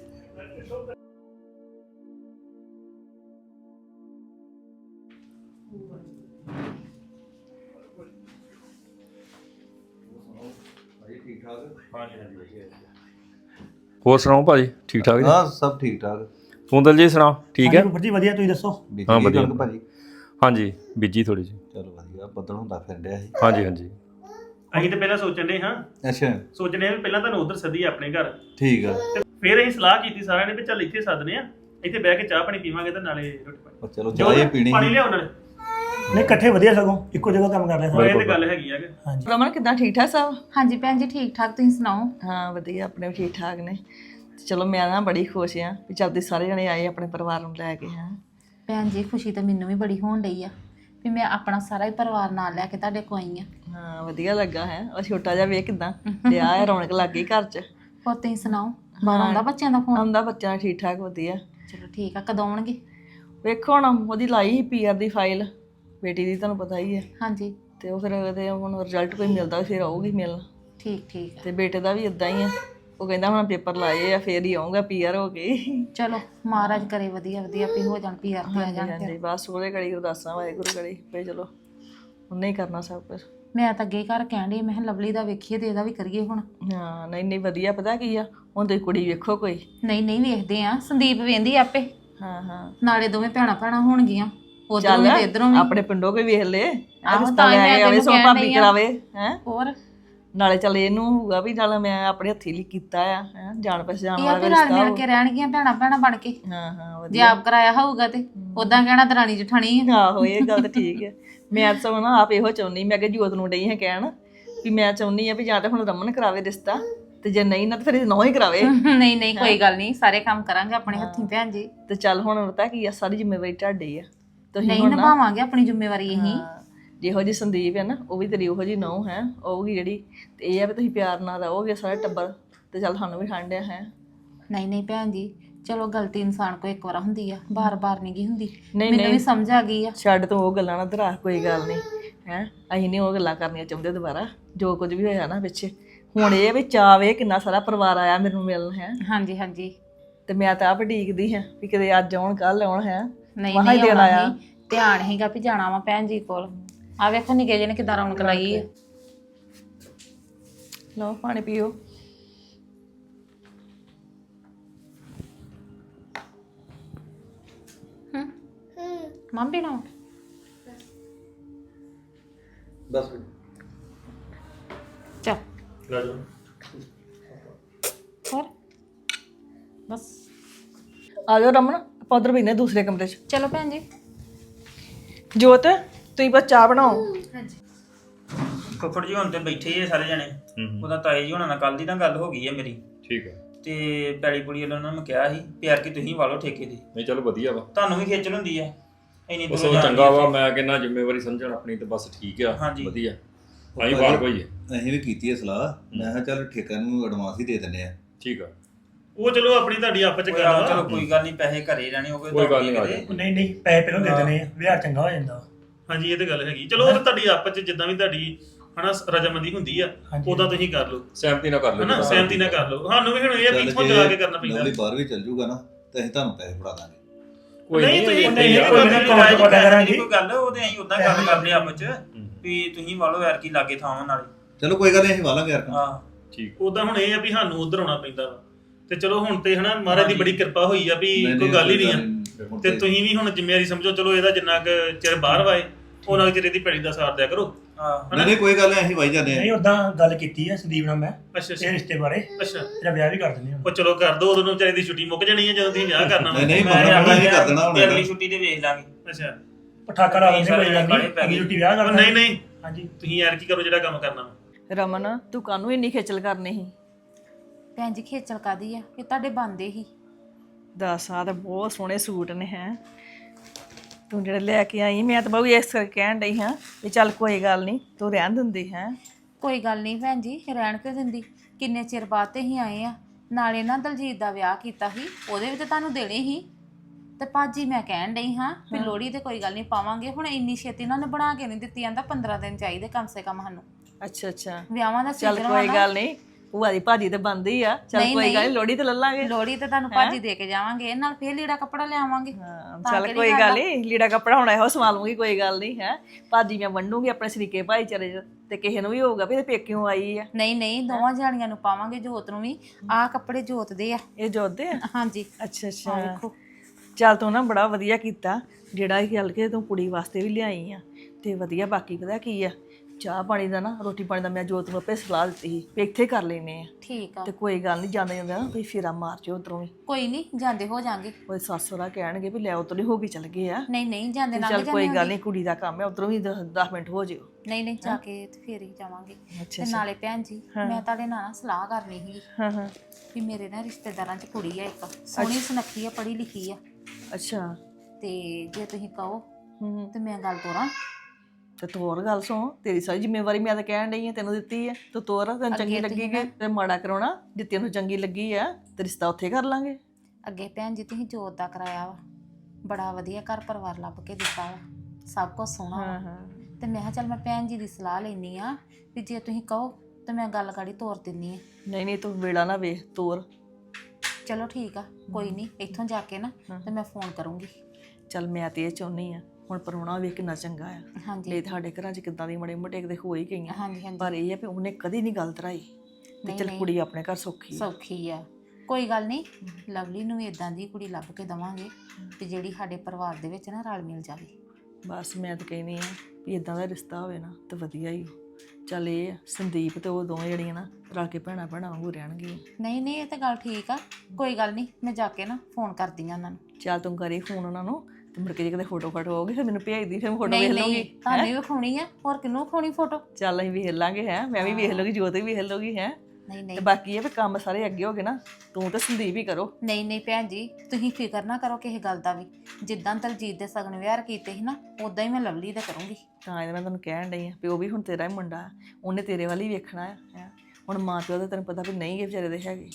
F: ਹੋਰ ਸੁਣਾਓ ਭਾਜੀ, ਠੀਕ ਠਾਕ ਜੀ?
A: ਹਾਂ ਸਭ ਠੀਕ ਠਾਕ।
F: ਤੂੰ ਦਲਜੀਤ ਸੁਣਾ, ਠੀਕ ਹੈ?
C: ਜੀ ਵਧੀਆ, ਤੁਸੀਂ ਦੱਸੋ?
F: ਹਾਂ ਵਧੀਆ
A: ਕਣਕ ਭਾਜੀ।
F: ਹਾਂਜੀ ਬੀਜੀ ਥੋੜੀ ਜਿਹੀ।
A: ਚਲੋ ਵਧੀਆ, ਬੱਦਲ ਹੁੰਦਾ ਫਿਰ ਰਿਹਾ ਸੀ।
F: ਹਾਂਜੀ
C: ਅਸੀਂ ਤਾਂ ਪਹਿਲਾਂ ਸੋਚਣ ਦੇ ਹਾਂ,
A: ਅੱਛਾ
C: ਸੋਚਣੇ ਵੀ ਪਹਿਲਾਂ ਤੁਹਾਨੂੰ ਉਧਰ ਸੱਦੀਏ ਆਪਣੇ ਘਰ,
A: ਠੀਕ ਆ।
C: ਤੇ ਫਿਰ ਅਸੀਂ ਸਲਾਹ ਕੀਤੀ ਸਾਰਿਆਂ ਨੇ ਵੀ ਚੱਲ ਇੱਥੇ ਸੱਦਨੇ ਆ, ਇੱਥੇ ਬਹਿ ਕੇ ਚਾਹ ਪਾਣੀ ਪੀਵਾਂਗੇ ਤੇ ਨਾਲੇ ਰੋਟੀ ਪਾਣੀ।
A: ਉਹ ਚਲੋ ਚਾਹ ਹੀ ਪੀਣੀ
C: ਪਾਣੀ ਲਿਆਉਣ ਨਾਲੇ।
G: ਨਹੀਂ ਇਕੱਠੇ ਵਧੀਆ, ਸਗੋਂ ਇੱਕੋ ਜਗ੍ਹਾ ਕੰਮ ਕਰ ਰਹੇ
C: ਹੋਰ ਇਹ ਤੇ ਗੱਲ ਹੈਗੀ ਆ ਕਿ
E: ਰਮਨ ਕਿੱਦਾਂ, ਠੀਕ ਠਾਕ ਸਭ?
B: ਹਾਂਜੀ ਭੈਣ ਜੀ ਠੀਕ ਠਾਕ, ਤੁਸੀਂ ਸੁਣਾਓ?
E: ਹਾਂ ਵਧੀਆ, ਆਪਣੇ ਵੀ ਠੀਕ ਠਾਕ ਨੇ। ਚਲੋ ਮੈਂ ਨਾ ਬੜੀ ਖੁਸ਼ ਆ ਵੀ ਚੱਲਦੇ ਸਾਰੇ ਜਣੇ ਆਏ ਆਪਣੇ ਪਰਿਵਾਰ ਨੂੰ ਲੈ ਕੇ ਹੈ।
B: ਭੈਣ ਜੀ ਖੁਸ਼ੀ ਤਾਂ ਮੈਨੂੰ ਵੀ ਬੜੀ ਹੋਣ ਡਈ ਆ ਵੀ ਮੈਂ ਆਪਣਾ ਸਾਰਾ ਹੀ ਪਰਿਵਾਰ ਨਾਲ ਲੈ ਕੇ ਤੁਹਾਡੇ ਕੋਲ ਆਈ ਆ।
E: ਹਾਂ ਵਧੀਆ ਲੱਗਾ ਹੈ। ਉਹ ਛੋਟਾ ਜਿਹਾ ਵੇਖ ਕਿਦਾਂ ਲਿਆ ਹੈ, ਰੌਣਕ ਲੱਗ ਗਈ ਘਰ 'ਚ।
B: ਹੋਰ ਤੁਸੀਂ ਸੁਣਾਓ ਬਾਹਰ ਆਉਂਦਾ ਬੱਚਿਆਂ ਦਾ ਫੋਨ?
E: ਆਉਂਦਾ ਬੱਚਾ ਠੀਕ ਠਾਕ ਵਧੀਆ।
B: ਚਲੋ ਠੀਕ ਆ, ਕਦੋਂ ਆਉਣਗੇ?
E: ਵੇਖੋ ਹੁਣ ਉਹਦੀ ਲਾਈ ਸੀ ਪੀਆਰ ਦੀ ਫਾਈਲ ਬੇਟੀ ਦੀ, ਤੁਹਾਨੂੰ ਪਤਾ ਹੀ ਹੈ।
B: ਹਾਂਜੀ
E: ਤੇ ਉਹ ਫਿਰ ਉਹਦੇ ਹੁਣ ਰਿਜ਼ਲਟ ਕੋਈ ਮਿਲਦਾ ਫਿਰ ਆਊਗੀ ਮਿਲਣ।
B: ਠੀਕ ਆ।
E: ਤੇ ਬੇਟੇ ਦਾ ਵੀ ਇਦਾਂ ਹੀ ਆ, ਉਹ ਕਹਿੰਦਾ ਹੁਣ ਪੇਪਰ ਲਾਏ ਆ ਫੇਰ ਹੀ ਆਊਗਾ ਪੀਆਰ ਹੋ ਕੇ।
B: ਚਲੋ ਮਹਾਰਾਜ ਕਰੇ ਵਧੀਆ ਵਧੀਆ ਵੀ ਹੋ ਜਾਣ ਪੀਆਰ ਤੇ ਆ ਜਾਣ।
E: ਹਾਂਜੀ ਬਸ ਉਹਦੇ ਘੜੀ ਅਰਦਾਸਾਂ ਵਾਹਿਗੁਰੂ ਘੜੀ ਵੀ ਚਲੋ ਉਹਨੇ ਹੀ ਕਰਨਾ ਸਭ ਕੁਝ।
B: ਮੈਂ ਤਾਂ ਅੱਗੇ ਘਰ ਕਹਿਣ ਡਈ ਮੈਂ ਕਿਹਾ ਲਵਲੀ ਦਾ ਵੇਖੀਏ ਤੇ ਇਹਦਾ ਵੀ ਕਰੀਏ ਹੁਣ।
E: ਹਾਂ ਨਹੀਂ ਵਧੀਆ, ਪਤਾ ਕੀ ਆ ਹੁਣ ਤੇ ਕੁੜੀ ਵੇਖੋ ਕੋਈ।
B: ਨਹੀਂ ਵੇਖਦੇ ਆ, ਸੰਦੀਪ ਵੇਂਦੀ ਆਪੇ,
E: ਹਾਂ
B: ਨਾਲੇ ਦੋਵੇਂ ਭੈਣਾਂ ਹੋਣਗੀਆਂ, ਉਧਰੋਂ ਵੀ ਤੇ ਇਧਰੋਂ ਵੀ।
E: ਆਪਣੇ ਪਿੰਡੋਂ ਕੋਈ ਵੇਖ ਲੇ
B: ਆਹੋ,
E: ਰਿਸ਼ਤਾ
B: ਤਾਂ ਹੀ
E: ਲੈ
B: ਮੈਂ
E: ਕੇ ਆਵੇ,
B: ਤੈਨੂੰ
E: ਸੋ
B: ਕਹਿਣ
E: ਭਾਬੀ
B: ਡਈ ਆ।
E: ਕਰਾਵੇ ਹੈ।
B: ਹੋਰ
E: ਨਾਲੇ ਚੱਲ ਇਹਨੂੰ ਹੋਊਗਾ ਵੀ ਚੱਲ ਮੈਂ ਆਪਣੇ ਹੱਥੀਂ ਲਈ ਕੀਤਾ ਆ ਹੈ, ਜਾਣ ਪਛਾਣ
B: ਇਹ ਆ
E: ਵਾਲਾ
B: ਵੀ ਰਲ
E: ਰਿਸ਼ਤਾ
B: ਮਿਲ
E: ਹੋਊ।
B: ਕੇ ਰਹਿਣਗੀਆਂ ਭੈਣਾਂ ਬਣ ਕੇ।
E: ਹਾਂ
B: ਜੇ ਆਪ ਕਰਾਇਆ ਹੋਊਗਾ ਤੇ ਉਦਾਂ ਕਹਿਣਾ ਦਰਾਣੀ ਜਠਾਣੀ ਆ।
E: ਆਹੋ ਇਹ ਗੱਲ ਤਾਂ ਠੀਕ ਹੈ। ਮੈਂ ਤਾਂ ਨਾ ਆਪ ਇਹੋ ਚਾਹੁੰਦੀ, ਮੈਂ ਕਿ ਜੋਤ ਨੂੰ ਡਈ ਹਾਂ ਕਹਿਣ ਵੀ ਮੈਂ ਚਾਹੁੰਦੀ ਆ ਵੀ ਜਾਂ ਤਾਂ ਹੁਣ ਰਮਨ ਕਰਾਵੇ ਰਿਸ਼ਤਾ, ਤੇ ਜੇ ਨਹੀਂ ਨਾ ਤਾਂ ਫਿਰ ਨੌ ਹੀ ਕਰਾਵੇ।
B: ਨਹੀਂ ਕੋਈ ਗੱਲ ਨਹੀਂ, ਸਾਰੇ ਕੰਮ ਕਰਾਂਗੇ ਆਪਣੇ ਹੱਥੀਂ ਭੈਣ ਜੀ।
E: ਤੇ ਚੱਲ ਹੁਣ ਪਤਾ ਕੀ ਆ, ਸਾਰੀ ਜ਼ਿੰਮੇਵਾਰੀ ਤੁਹਾਡੀ ਆ। ਤੁਸੀਂ
B: ਨਹੀਂ ਨਿਭਾਵਾਂਗੇ ਆਪਣੀ ਜ਼ਿੰਮੇਵਾਰੀ ਇਹੀ।
E: ਜਿਹੋ ਜੀ ਸੰਦੀਪ ਹੈ ਨਾ ਉਹ ਵੀ ਤੇਰੀ ਉਹੋ ਜੀ ਨੌ ਹੈ ਹੋਊਗੀ ਜਿਹੜੀ। ਤੇ ਇਹ ਆ ਵੀ ਤੁਸੀਂ ਪਿਆਰ ਨਾਲ ਰਹੋਗੇ ਸਾਰੇ ਟੱਬਰ, ਤੇ ਚੱਲ ਸਾਨੂੰ ਵੀ ਠੰਡ ਆ ਹੈ।
B: ਨਹੀਂ ਭੈਣ ਜੀ, ਚਲੋ ਗਲਤੀ ਇਨਸਾਨ ਕੋ ਇੱਕ ਵਾਰ ਹੁੰਦੀ ਆ, ਬਾਰ-ਬਾਰ ਨਹੀਂ ਗੀ ਹੁੰਦੀ।
E: ਨਹੀਂ
B: ਮੈਨੂੰ ਵੀ ਸਮਝ ਆ ਗਈ ਆ।
E: ਛੱਡ ਤੂੰ ਉਹ ਗੱਲਾਂ ਨਾ ਦਰਾ, ਕੋਈ ਗੱਲ ਨਹੀਂ ਹੈ। ਅਸੀਂ ਨਹੀਂ ਉਹ ਗੱਲਾਂ ਕਰਨੀਆਂ ਚਾਹੁੰਦੇ ਦੁਬਾਰਾ, ਜੋ ਕੁਝ ਵੀ ਹੋਇਆ ਨਾ ਪਿੱਛੇ। ਹੁਣ ਇਹ ਵੀ ਚਾਵੇ ਕਿੰਨਾ ਸਾਰਾ ਪਰਿਵਾਰ ਆਇਆ ਮੈਨੂੰ ਮਿਲਣ ਹੈ।
B: ਹਾਂਜੀ
E: ਤੇ ਮੈਂ ਤਾਂ ਆਪ ਢੀਕਦੀ ਹਾਂ ਵੀ ਕਿਤੇ ਅੱਜ ਆਉਣ ਕੱਲ ਆਉਣ ਹੈ।
B: ਨਹੀਂ ਆਉਣਾ ਸੀ, ਧਿਆਨ ਹੀਗਾ ਵੀ ਜਾਣਾ ਵਾ ਭੈਣ ਜੀ ਕੋਲ। ਆ ਵੇਖੋ ਨਿੱਕੇ ਜਿਹੇ ਨੇ ਕਿਦਾਂ ਰੌਣਕ ਲਾਈ ਆ।
E: ਲਓ ਪਾਣੀ ਪੀਓ।
B: ਮੰਮ ਪੀਣਾ
A: ਬਸ
B: ਚੱਲ
C: ਲੈ ਜਾਓ।
B: ਹੋਰ ਬਸ
E: ਆ ਜਾਓ ਰਮਨ, ਆਪਾਂ ਉਧਰ ਬੈਠਨੇ ਦੂਸਰੇ ਕਮਰੇ 'ਚ।
B: ਚਲੋ ਭੈਣ ਜੀ।
E: ਜੋਤ ਤੁਸੀਂ ਬਸ ਚਾਹ ਬਣਾਓ।
H: ਫੁੱਫੜ ਜੀ ਹੁਣ ਤੇ ਬੈਠੇ ਹੀ ਆ ਸਾਰੇ ਜਣੇ। ਉਹਦਾ ਤਾਏ ਜੀ ਹੁਣਾਂ ਨਾਲ ਕੱਲ ਦੀ ਤਾਂ ਗੱਲ ਹੋ ਗਈ ਹੈ ਮੇਰੀ।
F: ਠੀਕ ਹੈ।
H: ਤੇ ਪੈਲੀ ਪੁਲੀ ਵਾਲਿਆਂ ਨੂੰ ਮੈਂ ਕਿਹਾ ਸੀ ਪਿਆਰ ਕਿ ਤੁਸੀਂ ਵਾਲੋ ਠੇਕੇ ਦੀ।
F: ਨਹੀਂ ਚਲੋ ਵਧੀਆ ਵਾ।
H: ਤੁਹਾਨੂੰ ਵੀ ਖੇਚਲ ਹੁੰਦੀ ਆ ਇੰਨੀ
F: ਬਸ
H: ਦੂਰੋਂ
F: ਉਹ
H: ਜਾਣ
F: ਚੰਗਾ
H: ਦੀ।
F: ਵਾ, ਮੈਂ ਕਹਿੰਦਾ ਜ਼ਿੰਮੇਵਾਰੀ ਸਮਝਣ ਆਪਣੀ, ਤੇ ਬਸ ਠੀਕ ਆ।
H: ਹਾਂਜੀ।
F: ਵਧੀਆ ਆਈ ਬਾਹਰ ਕੋਈ ਹੈ।
A: ਅਸੀਂ ਵੀ ਕੀਤੀ ਹੈ ਸਲਾਹ, ਮੈਂ ਕਿਹਾ ਚੱਲ ਠੇਕਾ ਨੂੰ ਐਡਵਾਂਸ ਹੀ ਦੇ ਦਿੰਦੇ ਆ।
F: ਠੀਕ ਆ।
C: ਉਹ ਚਲੋ ਆਪਣੀ ਤੁਹਾਡੀ ਆਪਸ ਚ ਗੱਲ ਵਾ।
H: ਚਲੋ ਕੋਈ ਗੱਲ ਨਹੀਂ, ਪੈਸੇ ਘਰੇ ਰਹਿਣੇ ਉਹ
F: ਕੋਈ ਗੱਲ ਨਹੀਂ, ਆ ਜਾਓ।
G: ਨਹੀਂ ਪੈਸੇ ਪਹਿਲਾਂ ਦੇ ਦੇਣੇ ਆ, ਵਿਆਹ ਚੰਗਾ ਹੋ ਜਾਂਦਾ।
C: ਹਾਂਜੀ ਇਹ ਤੇ ਗੱਲ ਹੈਗੀ। ਚਲੋ ਉਹ ਤਾਂ ਤੁਹਾਡੀ ਆਪਸ ਚ ਜਿੱਦਾਂ ਵੀ ਤੁਹਾਡੀ ਹਨਾ ਰਜਾਮੰਦੀ ਹੁੰਦੀ ਆ, ਉਦਾਂ ਤੁਸੀਂ ਕਰ ਲਓ
F: ਸਹਿਮਤੀ ਨਾ ਕਰ ਲਓ
C: ਹਨਾ, ਸਹਿਮਤੀ ਨਾਲ ਕਰ ਲਓ। ਸਾਨੂੰ ਵੀ ਹੁਣ ਇਹ ਆ ਵੀ ਇੱਥੋਂ ਜਾ ਕੇ ਕਰਨਾ ਪੈਂਦਾ।
A: ਲਵਲੀ ਬਾਹਰ ਵੀ ਚੱਲ ਜੂਗਾ ਨਾ ਤੇ ਅਸੀਂ ਤੁਹਾਨੂੰ ਪੈਸੇ ਫੜਾ ਦਾਂਗੇ।
F: ਕੋਈ
C: ਨਹੀਂ
F: ਨਹੀਂ
C: ਤੁਸੀਂ
G: ਨਹੀਂ,
C: ਇਹ
G: ਕੋਈ
C: ਗੱਲ
G: ਨਹੀਂ,
C: ਨਹੀਂ,
G: ਕੌਣ
C: ਰਾਜ
G: ਪਤਾ
C: ਕਰ-
G: ਕਰਾਂਗੇ।
H: ਕੋਈ ਗੱਲ ਉਹਦੇ ਅਸੀਂ ਉਦਾਂ ਗੱਲ ਕਰਦੇ ਆਪਸ ਚ ਵੀ ਤੁਸੀਂ ਵਾਲੋ ਯਾਰ ਕੀ ਲਾਗੇ ਥਾਵਾਂ ਨਾਲ।
A: ਚਲੋ ਕੋਈ ਗੱਲ ਨਹੀਂ, ਅਸੀਂ ਵਾਲਾਂਗੇ ਯਾਰ।
H: ਹਾਂ
F: ਠੀਕ।
C: ਉਦਾਂ ਹੁਣ ਇਹ ਆ ਵੀ ਸਾਨੂੰ ਉਧਰ ਆਉਣਾ ਪੈਂਦਾ ਵਾ। ਤੇ ਚਲੋ ਹੁਣ ਤੇ ਹਨਾ ਮਹਾਰਾਜ ਦੀ ਬੜੀ ਕਿਰਪਾ ਹੋਈ ਆ ਵੀ ਕੋਈ ਗੱਲ ਹੀ ਨਹੀਂ ਆ। ਤੇ ਤੁਸੀਂ ਵੀ ਹੁਣ ਜ਼ਿੰਮੇਵਾਰੀ ਸਮਝੋ। ਚਲੋ ਇਹਦਾ ਜਿੰਨਾ ਕੁ ਚਿਰ ਬਾਹਰ ਵਾਏ ਉਹਨਾਂ ਚਿਰ ਇਹਦੀ ਪੈੜੀ ਦਾ ਸਾਥ ਦਿਆ ਕਰੋ।
H: ਹਾਂ
A: ਨਹੀਂ ਕੋਈ ਗੱਲ ਨਹੀਂ, ਅਸੀਂ ਵਾਈ ਜਾਂਦੇ
G: ਨਹੀਂ
A: ਆ।
G: ਉਦਾਂ ਗੱਲ ਕੀਤੀ ਹੈ ਸੰਦੀਪ ਨਾਲ ਮੈਂ
C: ਅੱਛਾ
G: ਇਹ ਰਿਸ਼ਤੇ ਬਾਰੇ,
C: ਅੱਛਾ।
G: ਇਹਦਾ ਵਿਆਹ ਵੀ ਕਰ ਦਿੰਦੇ ਹਾਂ।
C: ਉਹ ਚਲੋ ਕਰ ਦੋ, ਉਦੋਂ ਨੂੰ ਵਿਚਾਰੇ ਦੀ ਛੁੱਟੀ ਮੁੱਕ ਜਾਣੀ ਹੈ ਜਦੋਂ ਤੁਸੀਂ ਵਿਆਹ ਕਰਨਾ ਵਾ।
A: ਨਹੀਂ
H: ਮੈਂ
A: ਮਗਰ ਅਸੀਂ ਕਰ ਦੇਣਾ ਹੁਣ
H: ਤੇ ਅਗਲੀ
A: ਇਹਦਾ।
H: ਛੁੱਟੀ ਤੇ ਵੇਖ ਲਾਂਗੇ।
C: ਅੱਛਾ
G: ਪਟਾਕਾ ਲਾ ਦਿੰਦੇ, ਕੋਈ ਗੱਲ ਨਹੀਂ, ਅਗਲੀ ਰੋਟੀ ਵਿਆਹ ਕਰ
C: ਨਹੀਂ ਨਹੀਂ
G: ਹਾਂਜੀ।
C: ਤੁਸੀਂ ਯਾਰ ਕੀ ਕਰੋ ਜਿਹੜਾ ਕੰਮ ਕਰਨਾ ਵਾ।
E: ਰਮਨ ਤੂੰ ਕਾਹਨੂੰ ਇੰਨੀ ਖੇਚਲ ਕਰਨੀ ਸੀ?
B: ਭੈਣ ਜੀ ਖੇਚਲ ਕਾਦੀ ਆ, ਇਹ ਤੁਹਾਡੇ ਬੰਦੇ ਹੀ।
E: ਦੱਸ ਆ ਤਾਂ ਬਹੁਤ ਸੋਹਣੇ ਸੂਟ ਨੇ ਹੈ ਤੂੰ ਜਿਹੜੇ ਲੈ ਕੇ ਆਈ। ਮੈਂ ਤਾਂ ਬਹੁ ਇਸ ਕਰਕੇ ਕਹਿਣ ਡਈ ਹਾਂ ਵੀ ਚੱਲ ਕੋਈ ਗੱਲ ਨਹੀਂ ਤੂੰ ਰਹਿਣ ਦਿੰਦੀ ਹੈ।
B: ਕੋਈ ਗੱਲ ਨਹੀਂ ਭੈਣ ਜੀ, ਰਹਿਣ ਕੇ ਦਿੰਦੀ। ਕਿੰਨੇ ਚਿਰ ਬਾਅਦ ਤੇ ਹੀ ਆਏ ਆ। ਨਾਲੇ ਨਾ ਦਲਜੀਤ ਦਾ ਵਿਆਹ ਕੀਤਾ ਸੀ, ਉਹਦੇ ਵੀ ਤੇ ਤੁਹਾਨੂੰ ਦੇਣੇ ਸੀ। ਤੇ ਭਾਜੀ ਮੈਂ ਕਹਿਣ ਡਈ ਹਾਂ ਵੀ ਲੋਹੜੀ ਤੇ ਕੋਈ ਗੱਲ ਨਹੀਂ ਪਾਵਾਂਗੇ। ਹੁਣ ਇੰਨੀ ਛੇਤੀ ਇਹਨਾਂ ਨੇ ਬਣਾ ਕੇ ਨਹੀਂ ਦਿੱਤੀ ਜਾਂਦਾ, 15 ਦਿਨ ਚਾਹੀਦੇ ਕਮ ਸੇ ਕਮ ਸਾਨੂੰ।
E: ਅੱਛਾ
B: ਵਿਆਹਾਂ ਦਾ
E: ਚੱਲ
B: ਸੀਜ਼ਨ
E: ਕੋਈ ਗੱਲ ਨਹੀਂ, ਭੂਆ ਦੀ ਭਾਜੀ ਤੇ ਬਣਦੀ ਆ। ਚੱਲ ਕੋਈ ਗੱਲ ਨਹੀਂ, ਲੋਹੜੀ ਤੇ ਲੈ ਲਾਂਗੇ।
B: ਲੋਹੜੀ ਤੇ ਤੁਹਾਨੂੰ ਭਾਜੀ ਦੇ ਕੇ ਜਾਵਾਂਗੇ, ਨਾਲ ਫੇਰ ਲੀੜਾ ਕੱਪੜਾ ਲਿਆਵਾਂਗੇ।
E: ਚੱਲ ਕੋਈ ਗੱਲ ਨਹੀਂ, ਲੀੜਾ ਕੱਪੜਾ ਹੁਣ ਇਹੋ ਸਵਾ ਲੂੰਗੀ, ਕੋਈ ਗੱਲ ਨਹੀਂ ਹੈ। ਭਾਜੀ ਮੈਂ ਵੰਡੂਗੀ ਆਪਣੇ ਸਰੀਕੇ ਭਾਈਚਾਰੇ ਚ, ਤੇ ਕਿਸੇ ਨੂੰ ਵੀ ਹੋਊਗਾ ਵੀ ਇਹ ਪੇਕਿਓਂ ਆਈ ਆ।
B: ਨਹੀਂ ਦੋਵਾਂ ਜਾਣੀਆਂ ਨੂੰ ਪਾਵਾਂਗੇ, ਜੋਤ ਨੂੰ ਵੀ। ਆਹ ਕੱਪੜੇ ਜੋਤ ਦੇ ਆ।
E: ਇਹ ਜੋਦੇ ਆ?
B: ਹਾਂਜੀ
E: ਅੱਛਾ
B: ਆਹ
E: ਅੱਛਾ।
B: ਵੇਖੋ।
E: ਚੱਲ ਤੂੰ ਨਾ ਬੜਾ ਵਧੀਆ ਕੀਤਾ ਜਿਹੜਾ ਇਹ ਗੱਲ ਕਿ ਤੂੰ ਕੁੜੀ ਵਾਸਤੇ ਵੀ ਲਿਆਈ ਆ। ਤੇ ਵਧੀਆ ਬਾਕੀ ਪਤਾ ਕੀ ਆ, ਚਾਹ ਪਾਣੀ ਦਾ ਨਾ, ਰੋਟੀ ਪਾਣੀ ਦਾ ਮੈਂ ਜੋਤ ਨੂੰ ਆਪੇ ਸਲਾਹ ਦਿੱਤੀ ਸੀ ਵੀ ਇੱਥੇ ਕਰ ਲੈਨੇ ਆ।
B: ਠੀਕ ਆ,
E: ਤੇ ਕੋਈ ਗੱਲ ਨਹੀਂ, ਜਾਂਦੇ ਜਾਂਦੇ ਨਾ ਕੋਈ ਫੇਰਾ ਮਾਰ ਜਿਓ ਉਧਰੋਂ ਵੀ।
B: ਕੋਈ ਨਹੀਂ ਜਾਂਦੇ ਹੋ ਜਾਾਂਗੇ।
E: ਕੋਈ ਸੱਸ ਸਹੁਰਾ ਕਹਿਣਗੇ ਵੀ ਲੈ ਉਧਰ ਹੀ ਹੋ ਕੇ ਚਲ ਗਏ ਆ।
B: ਨਹੀਂ ਜਾਂਦੇ ਨਾ
E: ਚੱਲ ਕੋਈ ਗੱਲ ਨਹੀਂ, ਕੁੜੀ ਦਾ ਕੰਮ ਹੈ, ਉਧਰੋਂ ਵੀ 10 ਮਿੰਟ ਹੋ ਜਿਓ।
B: ਨਹੀਂ ਨਹੀਂ ਜਾ ਕੇ ਤੇ ਫੇਰ ਹੀ ਜਾਵਾਂਗੇ।
E: ਅੱਛਾ
B: ਤੇ ਨਾਲੇ ਭੈਣ ਜੀ ਮੈਂ ਤੁਹਾਡੇ ਨਾਲ ਸਲਾਹ ਕਰਨੀ ਸੀ
E: ਹਾਂ ਹਾਂ
B: ਵੀ ਮੇਰੇ ਨਾ ਰਿਸ਼ਤੇਦਾਰਾਂ 'ਚ ਕੁੜੀ ਆ ਇੱਕ ਸੋਹਣੀ ਸੁਨੱਖੀ ਆ, ਪੜ੍ਹੀ ਲਿਖੀ ਆ,
E: ਅੱਛਾ
B: ਤੇ ਜੇ ਤੁਸੀਂ ਕਹੋ
E: ਹੂੰ
B: ਤੇ ਮੈਂ ਗੱਲ ਤੋਰਾਂ।
E: ਤੇ ਤੂੰ ਹੋਰ ਗੱਲ ਸੁਣ, ਤੇਰੀ ਸਾਰੀ ਜ਼ਿੰਮੇਵਾਰੀ ਮੈਂ ਤਾਂ ਕਹਿਣ ਡਈ ਆ, ਤੈਨੂੰ ਦਿੱਤੀ ਆ, ਤੂੰ ਤੋਰ ਤੈਨੂੰ ਚੰਗੀ
B: ਅੱਗੇ ਤੁਸੀਂ
E: ਲੱਗੀ ਤੇ ਮਾੜਾ ਕਰਾਉਣਾ, ਜੇ ਤੈਨੂੰ ਚੰਗੀ ਲੱਗੀ ਆ ਤੇ ਰਿਸ਼ਤਾ ਉੱਥੇ ਕਰ ਲਾਂਗੇ।
B: ਅੱਗੇ ਭੈਣ ਜੀ ਤੁਸੀਂ ਜੋਤ ਦਾ ਕਰਾਇਆ ਵਾ, ਬੜਾ ਵਧੀਆ ਘਰ ਪਰਿਵਾਰ ਲੱਭ ਕੇ ਦਿੱਤਾ ਵਾ, ਸਭ ਕੁਝ ਸੋਹਣਾ ਵਾ।
E: ਹਾਂ
B: ਤੇ ਮੈਂ ਕਿਹਾ ਚੱਲ ਮੈਂ ਭੈਣ ਜੀ ਦੀ ਸਲਾਹ ਲੈਣੀ ਆ ਵੀ ਜੇ ਤੁਸੀਂ ਕਹੋ ਤੇ ਮੈਂ ਗੱਲ ਗਾੜੀ ਤੋਰ ਦਿੰਨੀ ਆ।
E: ਨਹੀਂ ਨਹੀਂ ਤੂੰ ਵੇਲਾ ਨਾ ਵੇਖ, ਤੋਰ।
B: ਚਲੋ ਠੀਕ ਆ, ਕੋਈ ਨਹੀਂ, ਇੱਥੋਂ ਜਾ ਕੇ ਨਾ ਤੇ ਮੈਂ ਫੋਨ ਕਰੂੰਗੀ।
E: ਚੱਲ ਮੈਂ ਤੇ ਇਹ ਚਾਹੁੰਦੀ ਆ ਹੁਣ ਪਰੋਣਾ ਵੇਖ ਕਿੰਨਾ ਚੰਗਾ ਆ,
B: ਹਾਂਜੀ
E: ਨਹੀਂ ਤੁਹਾਡੇ ਘਰਾਂ 'ਚ ਕਿੱਦਾਂ ਦੀ ਮੜੇ ਮੋਟੇ ਕਿਤੇ ਹੋ ਹੀ ਗਈਆਂ,
B: ਹਾਂਜੀ ਹਾਂਜੀ
E: ਪਰ ਇਹ ਆ ਵੀ ਉਹਨੇ ਕਦੀ ਨਹੀਂ ਗੱਲ ਧਰਾਈ ਤੇ
B: ਨਹੀਂ,
E: ਚੱਲ
B: ਨਹੀਂ।
E: ਕੁੜੀ ਆਪਣੇ ਘਰ ਸੌਖੀ ਆ।
B: ਸੌਖੀ ਆ, ਕੋਈ ਗੱਲ ਨਹੀਂ, ਲਵਲੀ ਨੂੰ ਵੀ ਇਦਾਂ ਦੀ ਕੁੜੀ ਲੱਭ ਕੇ ਦਵਾਂਗੇ ਤੇ ਜਿਹੜੀ ਸਾਡੇ ਪਰਿਵਾਰ ਦੇ ਵਿੱਚ ਨਾ ਰਲ ਮਿਲ ਜਾਵੇ।
E: ਬਸ ਮੈਂ ਤਾਂ ਕਹਿੰਦੀ ਆ ਵੀ ਇਦਾਂ ਦਾ ਰਿਸ਼ਤਾ ਹੋਵੇ ਨਾ ਤਾਂ ਵਧੀਆ ਹੀ ਹੋ। ਚੱਲ ਇਹ ਆ, ਸੰਦੀਪ ਤੇ ਉਹ ਦੋਵੇਂ ਜਿਹੜੀਆਂ ਨਾ ਰਲ ਕੇ ਭੈਣਾਂ ਵਾਂਗੂ ਰਹਿਣਗੀਆਂ।
B: ਨਹੀਂ ਨਹੀਂ ਇਹ ਤਾਂ ਗੱਲ ਠੀਕ ਆ, ਕੋਈ ਗੱਲ ਨਹੀਂ, ਮੈਂ ਜਾ ਕੇ ਨਾ ਫੋਨ ਕਰਦੀ ਆ ਉਹਨਾਂ ਨੂੰ।
E: ਚੱਲ ਤੂੰ ਕਰੀ ਫੋਨ ਉਹਨਾਂ ਨੂੰ ਤੇ ਮੁੜ ਕੇ ਜੇ ਕਿਤੇ ਫੋਟੋ ਫਾਟੋ ਹੋਊਗੀ ਫਿਰ ਮੈਨੂੰ ਭੇਜਦੀ, ਫਿਰ ਮੈਂ ਫੋਟੋ
B: ਨਹੀਂ
E: ਵੇਖ
B: ਨਹੀਂ
E: ਲਵਾਂਗੀ।
B: ਤੁਹਾਨੂੰ ਵੀ ਵਿਖਾਉਣੀ ਆ, ਹੋਰ ਕਿਹਨੂੰ ਵਿਖਾਉਣੀ ਫੋਟੋ?
E: ਚੱਲ ਅਸੀਂ ਵੇਖ ਲਾਂਗੇ ਹੈ, ਮੈਂ ਵੀ ਵੇਖ ਲਵਾਂਗੀ, ਜੋਤ ਵੀ ਵੇਖ ਲਵਾਂਗੀ ਹੈ।
B: ਨਹੀਂ
E: ਤੇ
B: ਨਹੀਂ
E: ਬਾਕੀ ਇਹ ਵੀ ਕੰਮ ਸਾਰੇ ਅੱਗੇ ਹੋ ਗਏ ਨਾ, ਤੂੰ ਤੇ ਸੰਦੀਪ ਹੀ ਕਰੋ।
B: ਨਹੀਂ ਨਹੀਂ ਭੈਣ ਜੀ, ਤੁਸੀਂ ਫਿਕਰ ਨਾ ਕਰੋ ਕਿਸੇ ਗੱਲ ਦਾ ਵੀ। ਜਿੱਦਾਂ ਦਲਜੀਤ ਦੇ ਸਗਨ ਵਿਆਹ ਕੀਤੇ ਸੀ ਨਾ, ਉਦਾਂ ਹੀ ਮੈਂ ਲਵਲੀ ਦਾ ਕਰੂੰਗੀ।
E: ਤਾਂ ਇਹ ਮੈਂ ਤੁਹਾਨੂੰ ਕਹਿਣ ਡਈ ਆ ਵੀ ਉਹ ਵੀ ਹੁਣ ਤੇਰਾ ਹੀ ਮੁੰਡਾ ਆ, ਉਹਨੇ ਤੇਰੇ ਵੱਲ ਹੀ ਵੇਖਣਾ ਆ ਹੈਂ। ਹੁਣ ਮਾਂ ਪਿਓ ਦਾ ਤੈਨੂੰ ਪਤਾ ਵੀ ਨਹੀਂ ਗੇ ਵਿਚਾਰੇ ਦੇ ਹੈਗੇ,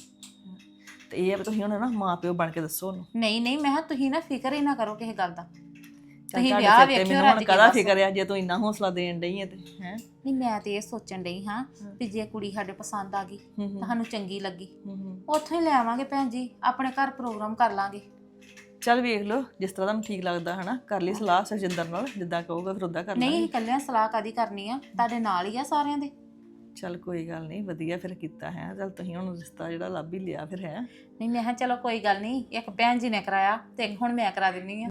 E: ਤੇ ਇਹ ਆ ਵੀ ਤੁਸੀਂ ਹੁਣ ਨਾ ਮਾਂ ਪਿਓ ਬਣ ਕੇ ਦੱਸੋ ਉਹਨੂੰ।
B: ਨਹੀਂ ਨਹੀਂ ਮੈਂ ਕਿਹਾ ਤੁਸੀਂ ਨਾ ਫਿਕਰ ਹੀ ਨਾ ਕਰੋ ਕਿਸੇ ਗੱਲ ਦਾ।
E: ਚੱਲ
B: ਤੁਸੀਂ
E: ਤੁਹਾਡੇ
B: ਵਿਆਹ
E: ਸਿਰ ਤੇ
B: ਵੇਖਿਓ
E: ਮੈਨੂੰ
B: ਰੱਜ
E: ਹੁਣ
B: ਕੇ
E: ਕਾਹਦਾ
B: ਬਸ।
E: ਫਿਕਰ ਆ ਜੇ ਤੂੰ ਇੰਨਾ ਹੌਸਲਾ ਦੇਣ ਡਈ ਆ ਤੇ ਹੈ।
B: ਨਹੀਂ ਮੈਂ ਤੇ ਇਹ ਸੋਚਣ ਡਈ ਹਾਂ ਵੀ ਜੇ ਕੁੜੀ ਸਾਡੇ ਪਸੰਦ ਆ ਗਈ, ਤੁਹਾਨੂੰ ਚੰਗੀ ਲੱਗੀ, ਉੱਥੋਂ ਹੀ ਲੈ ਆਵਾਂਗੇ ਭੈਣ ਜੀ, ਆਪਣੇ ਘਰ ਪ੍ਰੋਗਰਾਮ ਕਰ ਲਾਂਗੇ।
E: ਚੱਲ ਵੇਖ ਲਓ ਜਿਸ ਤਰ੍ਹਾਂ ਤੁਹਾਨੂੰ ਠੀਕ ਲੱਗਦਾ ਹਨਾ, ਕਰ ਲਈ ਸਲਾਹ ਸਰਜਿੰਦਰ ਨਾਲ, ਜਿੱਦਾਂ ਕਹੂਗਾ ਫਿਰ ਉਦਾਂ ਕਰ
B: ਨਹੀਂ
E: ਲਾਂਗੇ।
B: ਇਕੱਲਿਆਂ ਸਲਾਹ ਕਾਦੀ ਕਰਨੀ ਆ, ਤੁਹਾਡੇ ਨਾਲ ਹੀ ਆ ਸਾਰਿਆਂ ਦੇ।
E: ਚੱਲ ਕੋਈ ਗੱਲ ਨਹੀਂ, ਵਧੀਆ ਫਿਰ ਕੀਤਾ ਹੈ। ਚੱਲ ਤੁਸੀਂ ਹੁਣ ਰਿਸ਼ਤਾ ਜਿਹੜਾ ਲੱਭ ਹੀ ਲਿਆ ਫਿਰ ਹੈ।
B: ਨਹੀਂ ਮੈਂ ਕਿਹਾ ਚਲੋ ਕੋਈ ਗੱਲ ਨਹੀਂ, ਇੱਕ ਭੈਣ ਜੀ ਨੇ ਕਰਾਇਆ ਤੇ ਇੱਕ ਹੁਣ ਮੈਂ ਕਰਾ ਦਿੰਨੀ ਆ।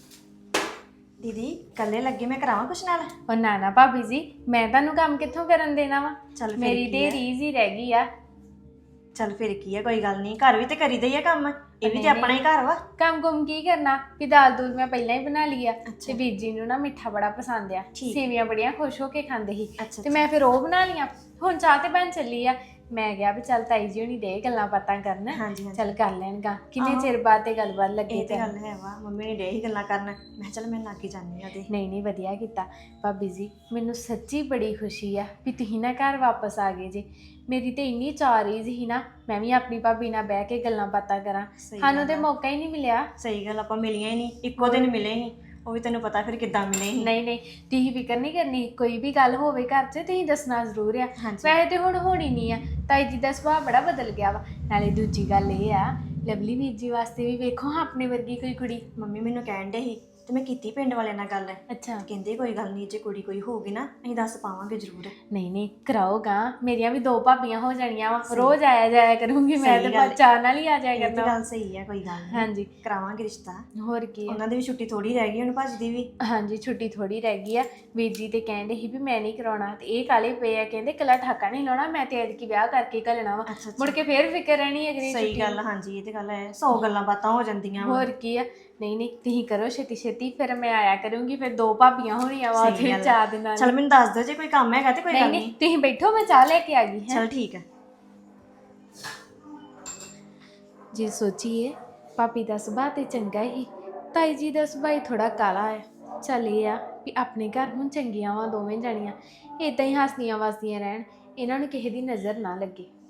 I: ਦੀਦੀ ਕੱਲੇ ਲੱਗੇ, ਮੈਂ ਕਰਾਵਾਂ ਕੁਛ ਨਾਲ?
D: ਉਹ ਨਾ ਨਾ ਭਾਬੀ ਜੀ, ਮੈਂ ਤੁਹਾਨੂੰ ਕੰਮ ਕਿੱਥੋਂ ਕਰਨ ਦੇਣਾ ਵਾ?
I: ਚੱਲ ਫਿਰ
D: ਮੇਰੀ
I: ਕੀ
D: ਤੇ
I: ਆ?
D: ਰੀਜ਼ ਹੀ ਰਹਿ ਗਈ ਆ।
I: ਚੱਲ ਫਿਰ ਕੀ ਹੈ, ਕੋਈ ਗੱਲ ਨਹੀਂ, ਘਰ ਵੀ ਤੇ ਕਰੀਦਾ ਹੀ ਆ ਕੰਮ, ਇਹ ਵੀ ਤੇ ਆਪਣਾ ਹੀ ਘਰ ਵਾ।
D: ਕੰਮ ਕੁਮ ਕੀ ਕਰਨਾ, ਵੀ ਦਾਲ ਦੂਲ ਮੈਂ ਪਹਿਲਾਂ ਹੀ ਬਣਾ ਲਈ ਆ, ਤੇ ਵੀਰ ਜੀ ਨੂੰ ਨਾ ਮਿੱਠਾ ਬੜਾ ਪਸੰਦ ਆ, ਸੇਵੀਆਂ ਬੜੀਆਂ ਖੁਸ਼ ਹੋ ਕੇ ਖਾਂਦੇ ਸੀ, ਤੇ ਮੈਂ ਫਿਰ ਉਹ ਬਣਾ ਲੀਆਂ। ਹੁਣ ਚਾਹ ਤੇ ਬਣ ਚੱਲੀ ਆ, ਮੈਂ ਕਿਹਾ ਵੀ ਚੱਲ ਤਾਈ ਜੀ ਹੁਣੀ ਦੇ ਗੱਲਾਂ ਬਾਤਾਂ ਕਰਨ, ਚੱਲ ਕਰ ਲੈਣਗਾ, ਕਿੰਨੇ ਚਿਰ ਬਾਅਦ ਤੇ ਗੱਲਬਾਤ ਲੱਗੇ।
I: ਇਹ ਤੇ ਗੱਲ ਹੈ ਵਾ, ਮੰਮੀ ਨੇ ਡੇ ਹੀ ਗੱਲਾਂ ਕਰਨ, ਮੈਂ ਚੱਲ ਮੈਂ ਲੱਗ ਹੀ ਜਾਂਦੀ ਆ ਤੇ।
D: ਨਹੀਂ ਨਹੀਂ ਵਧੀਆ ਕੀਤਾ ਭਾਬੀ ਜੀ, ਮੈਨੂੰ ਸੱਚੀ ਬੜੀ ਖੁਸ਼ੀ ਆ ਵੀ ਤੁਸੀਂ ਨਾ ਘਰ ਵਾਪਸ ਆ ਗਏ ਜੇ। ਮੇਰੀ ਤੇ ਇੰਨੀ ਚਾਅ ਰਹੀ ਸੀ ਨਾ, ਮੈਂ ਵੀ ਆਪਣੀ ਭਾਬੀ ਨਾਲ ਬਹਿ ਕੇ ਗੱਲਾਂ ਬਾਤਾਂ ਕਰਾਂ, ਸਾਨੂੰ ਤੇ ਮੌਕਾ ਹੀ ਨਹੀਂ ਮਿਲਿਆ।
I: ਸਹੀ ਗੱਲ, ਆਪਾਂ ਮਿਲੀਆਂ ਹੀ ਨਹੀਂ, ਇੱਕੋ ਦਿਨ ਮਿਲੇ ਸੀ, ਉਹ ਵੀ ਤੈਨੂੰ ਪਤਾ ਫਿਰ ਕਿੱਦਾਂ ਮਿਲੇ ਸੀ।
D: ਨਹੀਂ ਨਹੀਂ ਤੁਸੀਂ ਫਿਕਰ ਨਹੀਂ ਕਰਨੀ, ਕੋਈ ਵੀ ਗੱਲ ਹੋਵੇ ਘਰ 'ਚ ਤੁਸੀਂ ਦੱਸਣਾ ਜ਼ਰੂਰ ਆ। ਵੈਸੇ ਤੇ ਹੁਣ ਹੋਣੀ ਨਹੀਂ ਆ, ਤਾਈ ਜੀ ਦਾ ਸੁਭਾਅ ਬੜਾ ਬਦਲ ਗਿਆ ਵਾ। ਨਾਲੇ ਦੂਜੀ ਗੱਲ ਇਹ ਆ, ਲਵਲੀ ਵੀਰ ਜੀ ਵਾਸਤੇ ਵੀ ਵੇਖੋ ਆਪਣੇ ਵਰਗੀ ਕੋਈ ਕੁੜੀ।
I: ਮੰਮੀ ਮੈਨੂੰ ਕਹਿਣ ਡੇ ਸੀ ਤੇ ਮੈਂ ਕੀਤੀ ਪਿੰਡ ਵਾਲਿਆਂ ਨਾਲ ਗੱਲ,
D: ਅੱਛਾ
I: ਕਹਿੰਦੇ ਕੋਈ ਗੱਲ ਨਹੀਂ, ਜੇ ਕੁੜੀ ਕੋਈ ਹੋਊਗੀ ਨਾ ਅਸੀਂ ਦੱਸ ਪਾਵਾਂਗੇ ਜ਼ਰੂਰ।
D: ਨਹੀਂ ਨਹੀਂ ਕਰਾਓਗਾ, ਮੇਰੀਆਂ ਵੀ 2 ਭਾਬੀਆਂ ਹੋ ਜਾਣੀਆਂ ਵਾ, ਰੋਜ਼ ਆਇਆ ਜਾਇਆ ਕਰੂੰਗੀ ਮੈਂ, ਤੇ
I: ਗੱਲ।
D: ਚਾਹ ਨਾਲ ਹੀ ਆ ਜਾਇਆ
I: ਇਹ ਤਾਂ
D: ਕਰਨਾ।
I: ਗੱਲ ਸਹੀ ਹੈ, ਕੋਈ ਗੱਲ ਨਹੀਂ,
D: ਹਾਂਜੀ
I: ਕਰਾਵਾਂਗੇ ਰਿਸ਼ਤਾ।
D: ਹੋਰ ਕੀ ਆ।
I: ਉਹਨਾਂ ਦੀ ਵੀ ਛੁੱਟੀ ਥੋੜੀ ਰਹਿ ਗਈ, ਹੁਣ ਭੱਜ ਦੀ ਵੀ।
D: ਹਾਂਜੀ ਛੁੱਟੀ ਥੋੜੀ ਰਹਿ ਗਈ ਆ, ਵੀਰ ਜੀ ਤੇ ਕਹਿੰਦੇ ਸੀ ਵੀ ਮੈਂ ਨਹੀਂ ਕਰਾਉਣਾ, ਤੇ ਇਹ ਕਾਲੇ ਪਏ ਆ, ਕਹਿੰਦੇ ਕੱਲਾ ਠਾਕਾ ਨਹੀਂ ਲਾਉਣਾ, ਮੈਂ ਤੇ ਐਤਕੀ ਵਿਆਹ ਕਰਕੇ ਘੱਲਣਾ ਵਾ, ਮੁੜ ਕੇ ਫੇਰ ਫਿਕਰ ਰਹਿਣੀ ਅਗਲੀ
I: ਸਹੀ
D: ਛੁੱਟੀ।
I: ਗੱਲ, ਹਾਂਜੀ ਇਹ ਤੇ ਗੱਲ ਹੈ, 100 ਗੱਲਾਂ ਬਾਤਾਂ ਹੋ ਜਾਂਦੀਆਂ ਵਾ।
D: ਹੋਰ ਕੀ ਆ। ਨਹੀਂ ਨਹੀਂ ਤੁਸੀਂ ਕਰੋ ਛੇਤੀ ਛੇਤੀ, ਫਿਰ ਮੈਂ ਆਇਆ ਕਰੂੰਗੀ, ਫਿਰ 2 ਭਾਬੀਆਂ ਹੋਣੀਆਂ ਵਾ ਉੱਥੇ 4 ਦਿਨਾਂ।
I: ਚਲ ਮੈਨੂੰ ਦੱਸ ਦਿਓ ਜੇ ਕੋਈ ਕੰਮ ਹੈਗਾ ਤੇ ਕੋਈ ਗੱਲ
D: ਨਹੀਂ
I: ਨਹੀਂ।
D: ਤੁਸੀਂ ਬੈਠੋ, ਮੈਂ ਚਾਹ ਲੈ ਕੇ ਆ ਗਈ।
I: ਚਲ ਠੀਕ ਹੈ।
D: ਜੇ ਸੋਚੀਏ ਭਾਬੀ ਦਾ ਸੁਭਾਅ ਤੇ ਚੰਗਾ ਹੀ, ਤਾਈ ਜੀ ਦਾ ਸੁਭਾਅ ਥੋੜਾ ਕਾਲਾ ਹੈ। ਚੱਲ ਇਹ ਆ ਵੀ ਆਪਣੇ ਘਰ ਹੁਣ ਚੰਗੀਆਂ ਵਾ ਦੋਵੇਂ ਜਾਣੀਆਂ, ਇਦਾਂ ਹੀ ਹੱਸਦੀਆਂ ਵਸਦੀਆਂ ਰਹਿਣ, ਇਹਨਾਂ ਨੂੰ ਕਿਸੇ ਦੀ ਨਜ਼ਰ ਨਾ ਲੱਗੇ।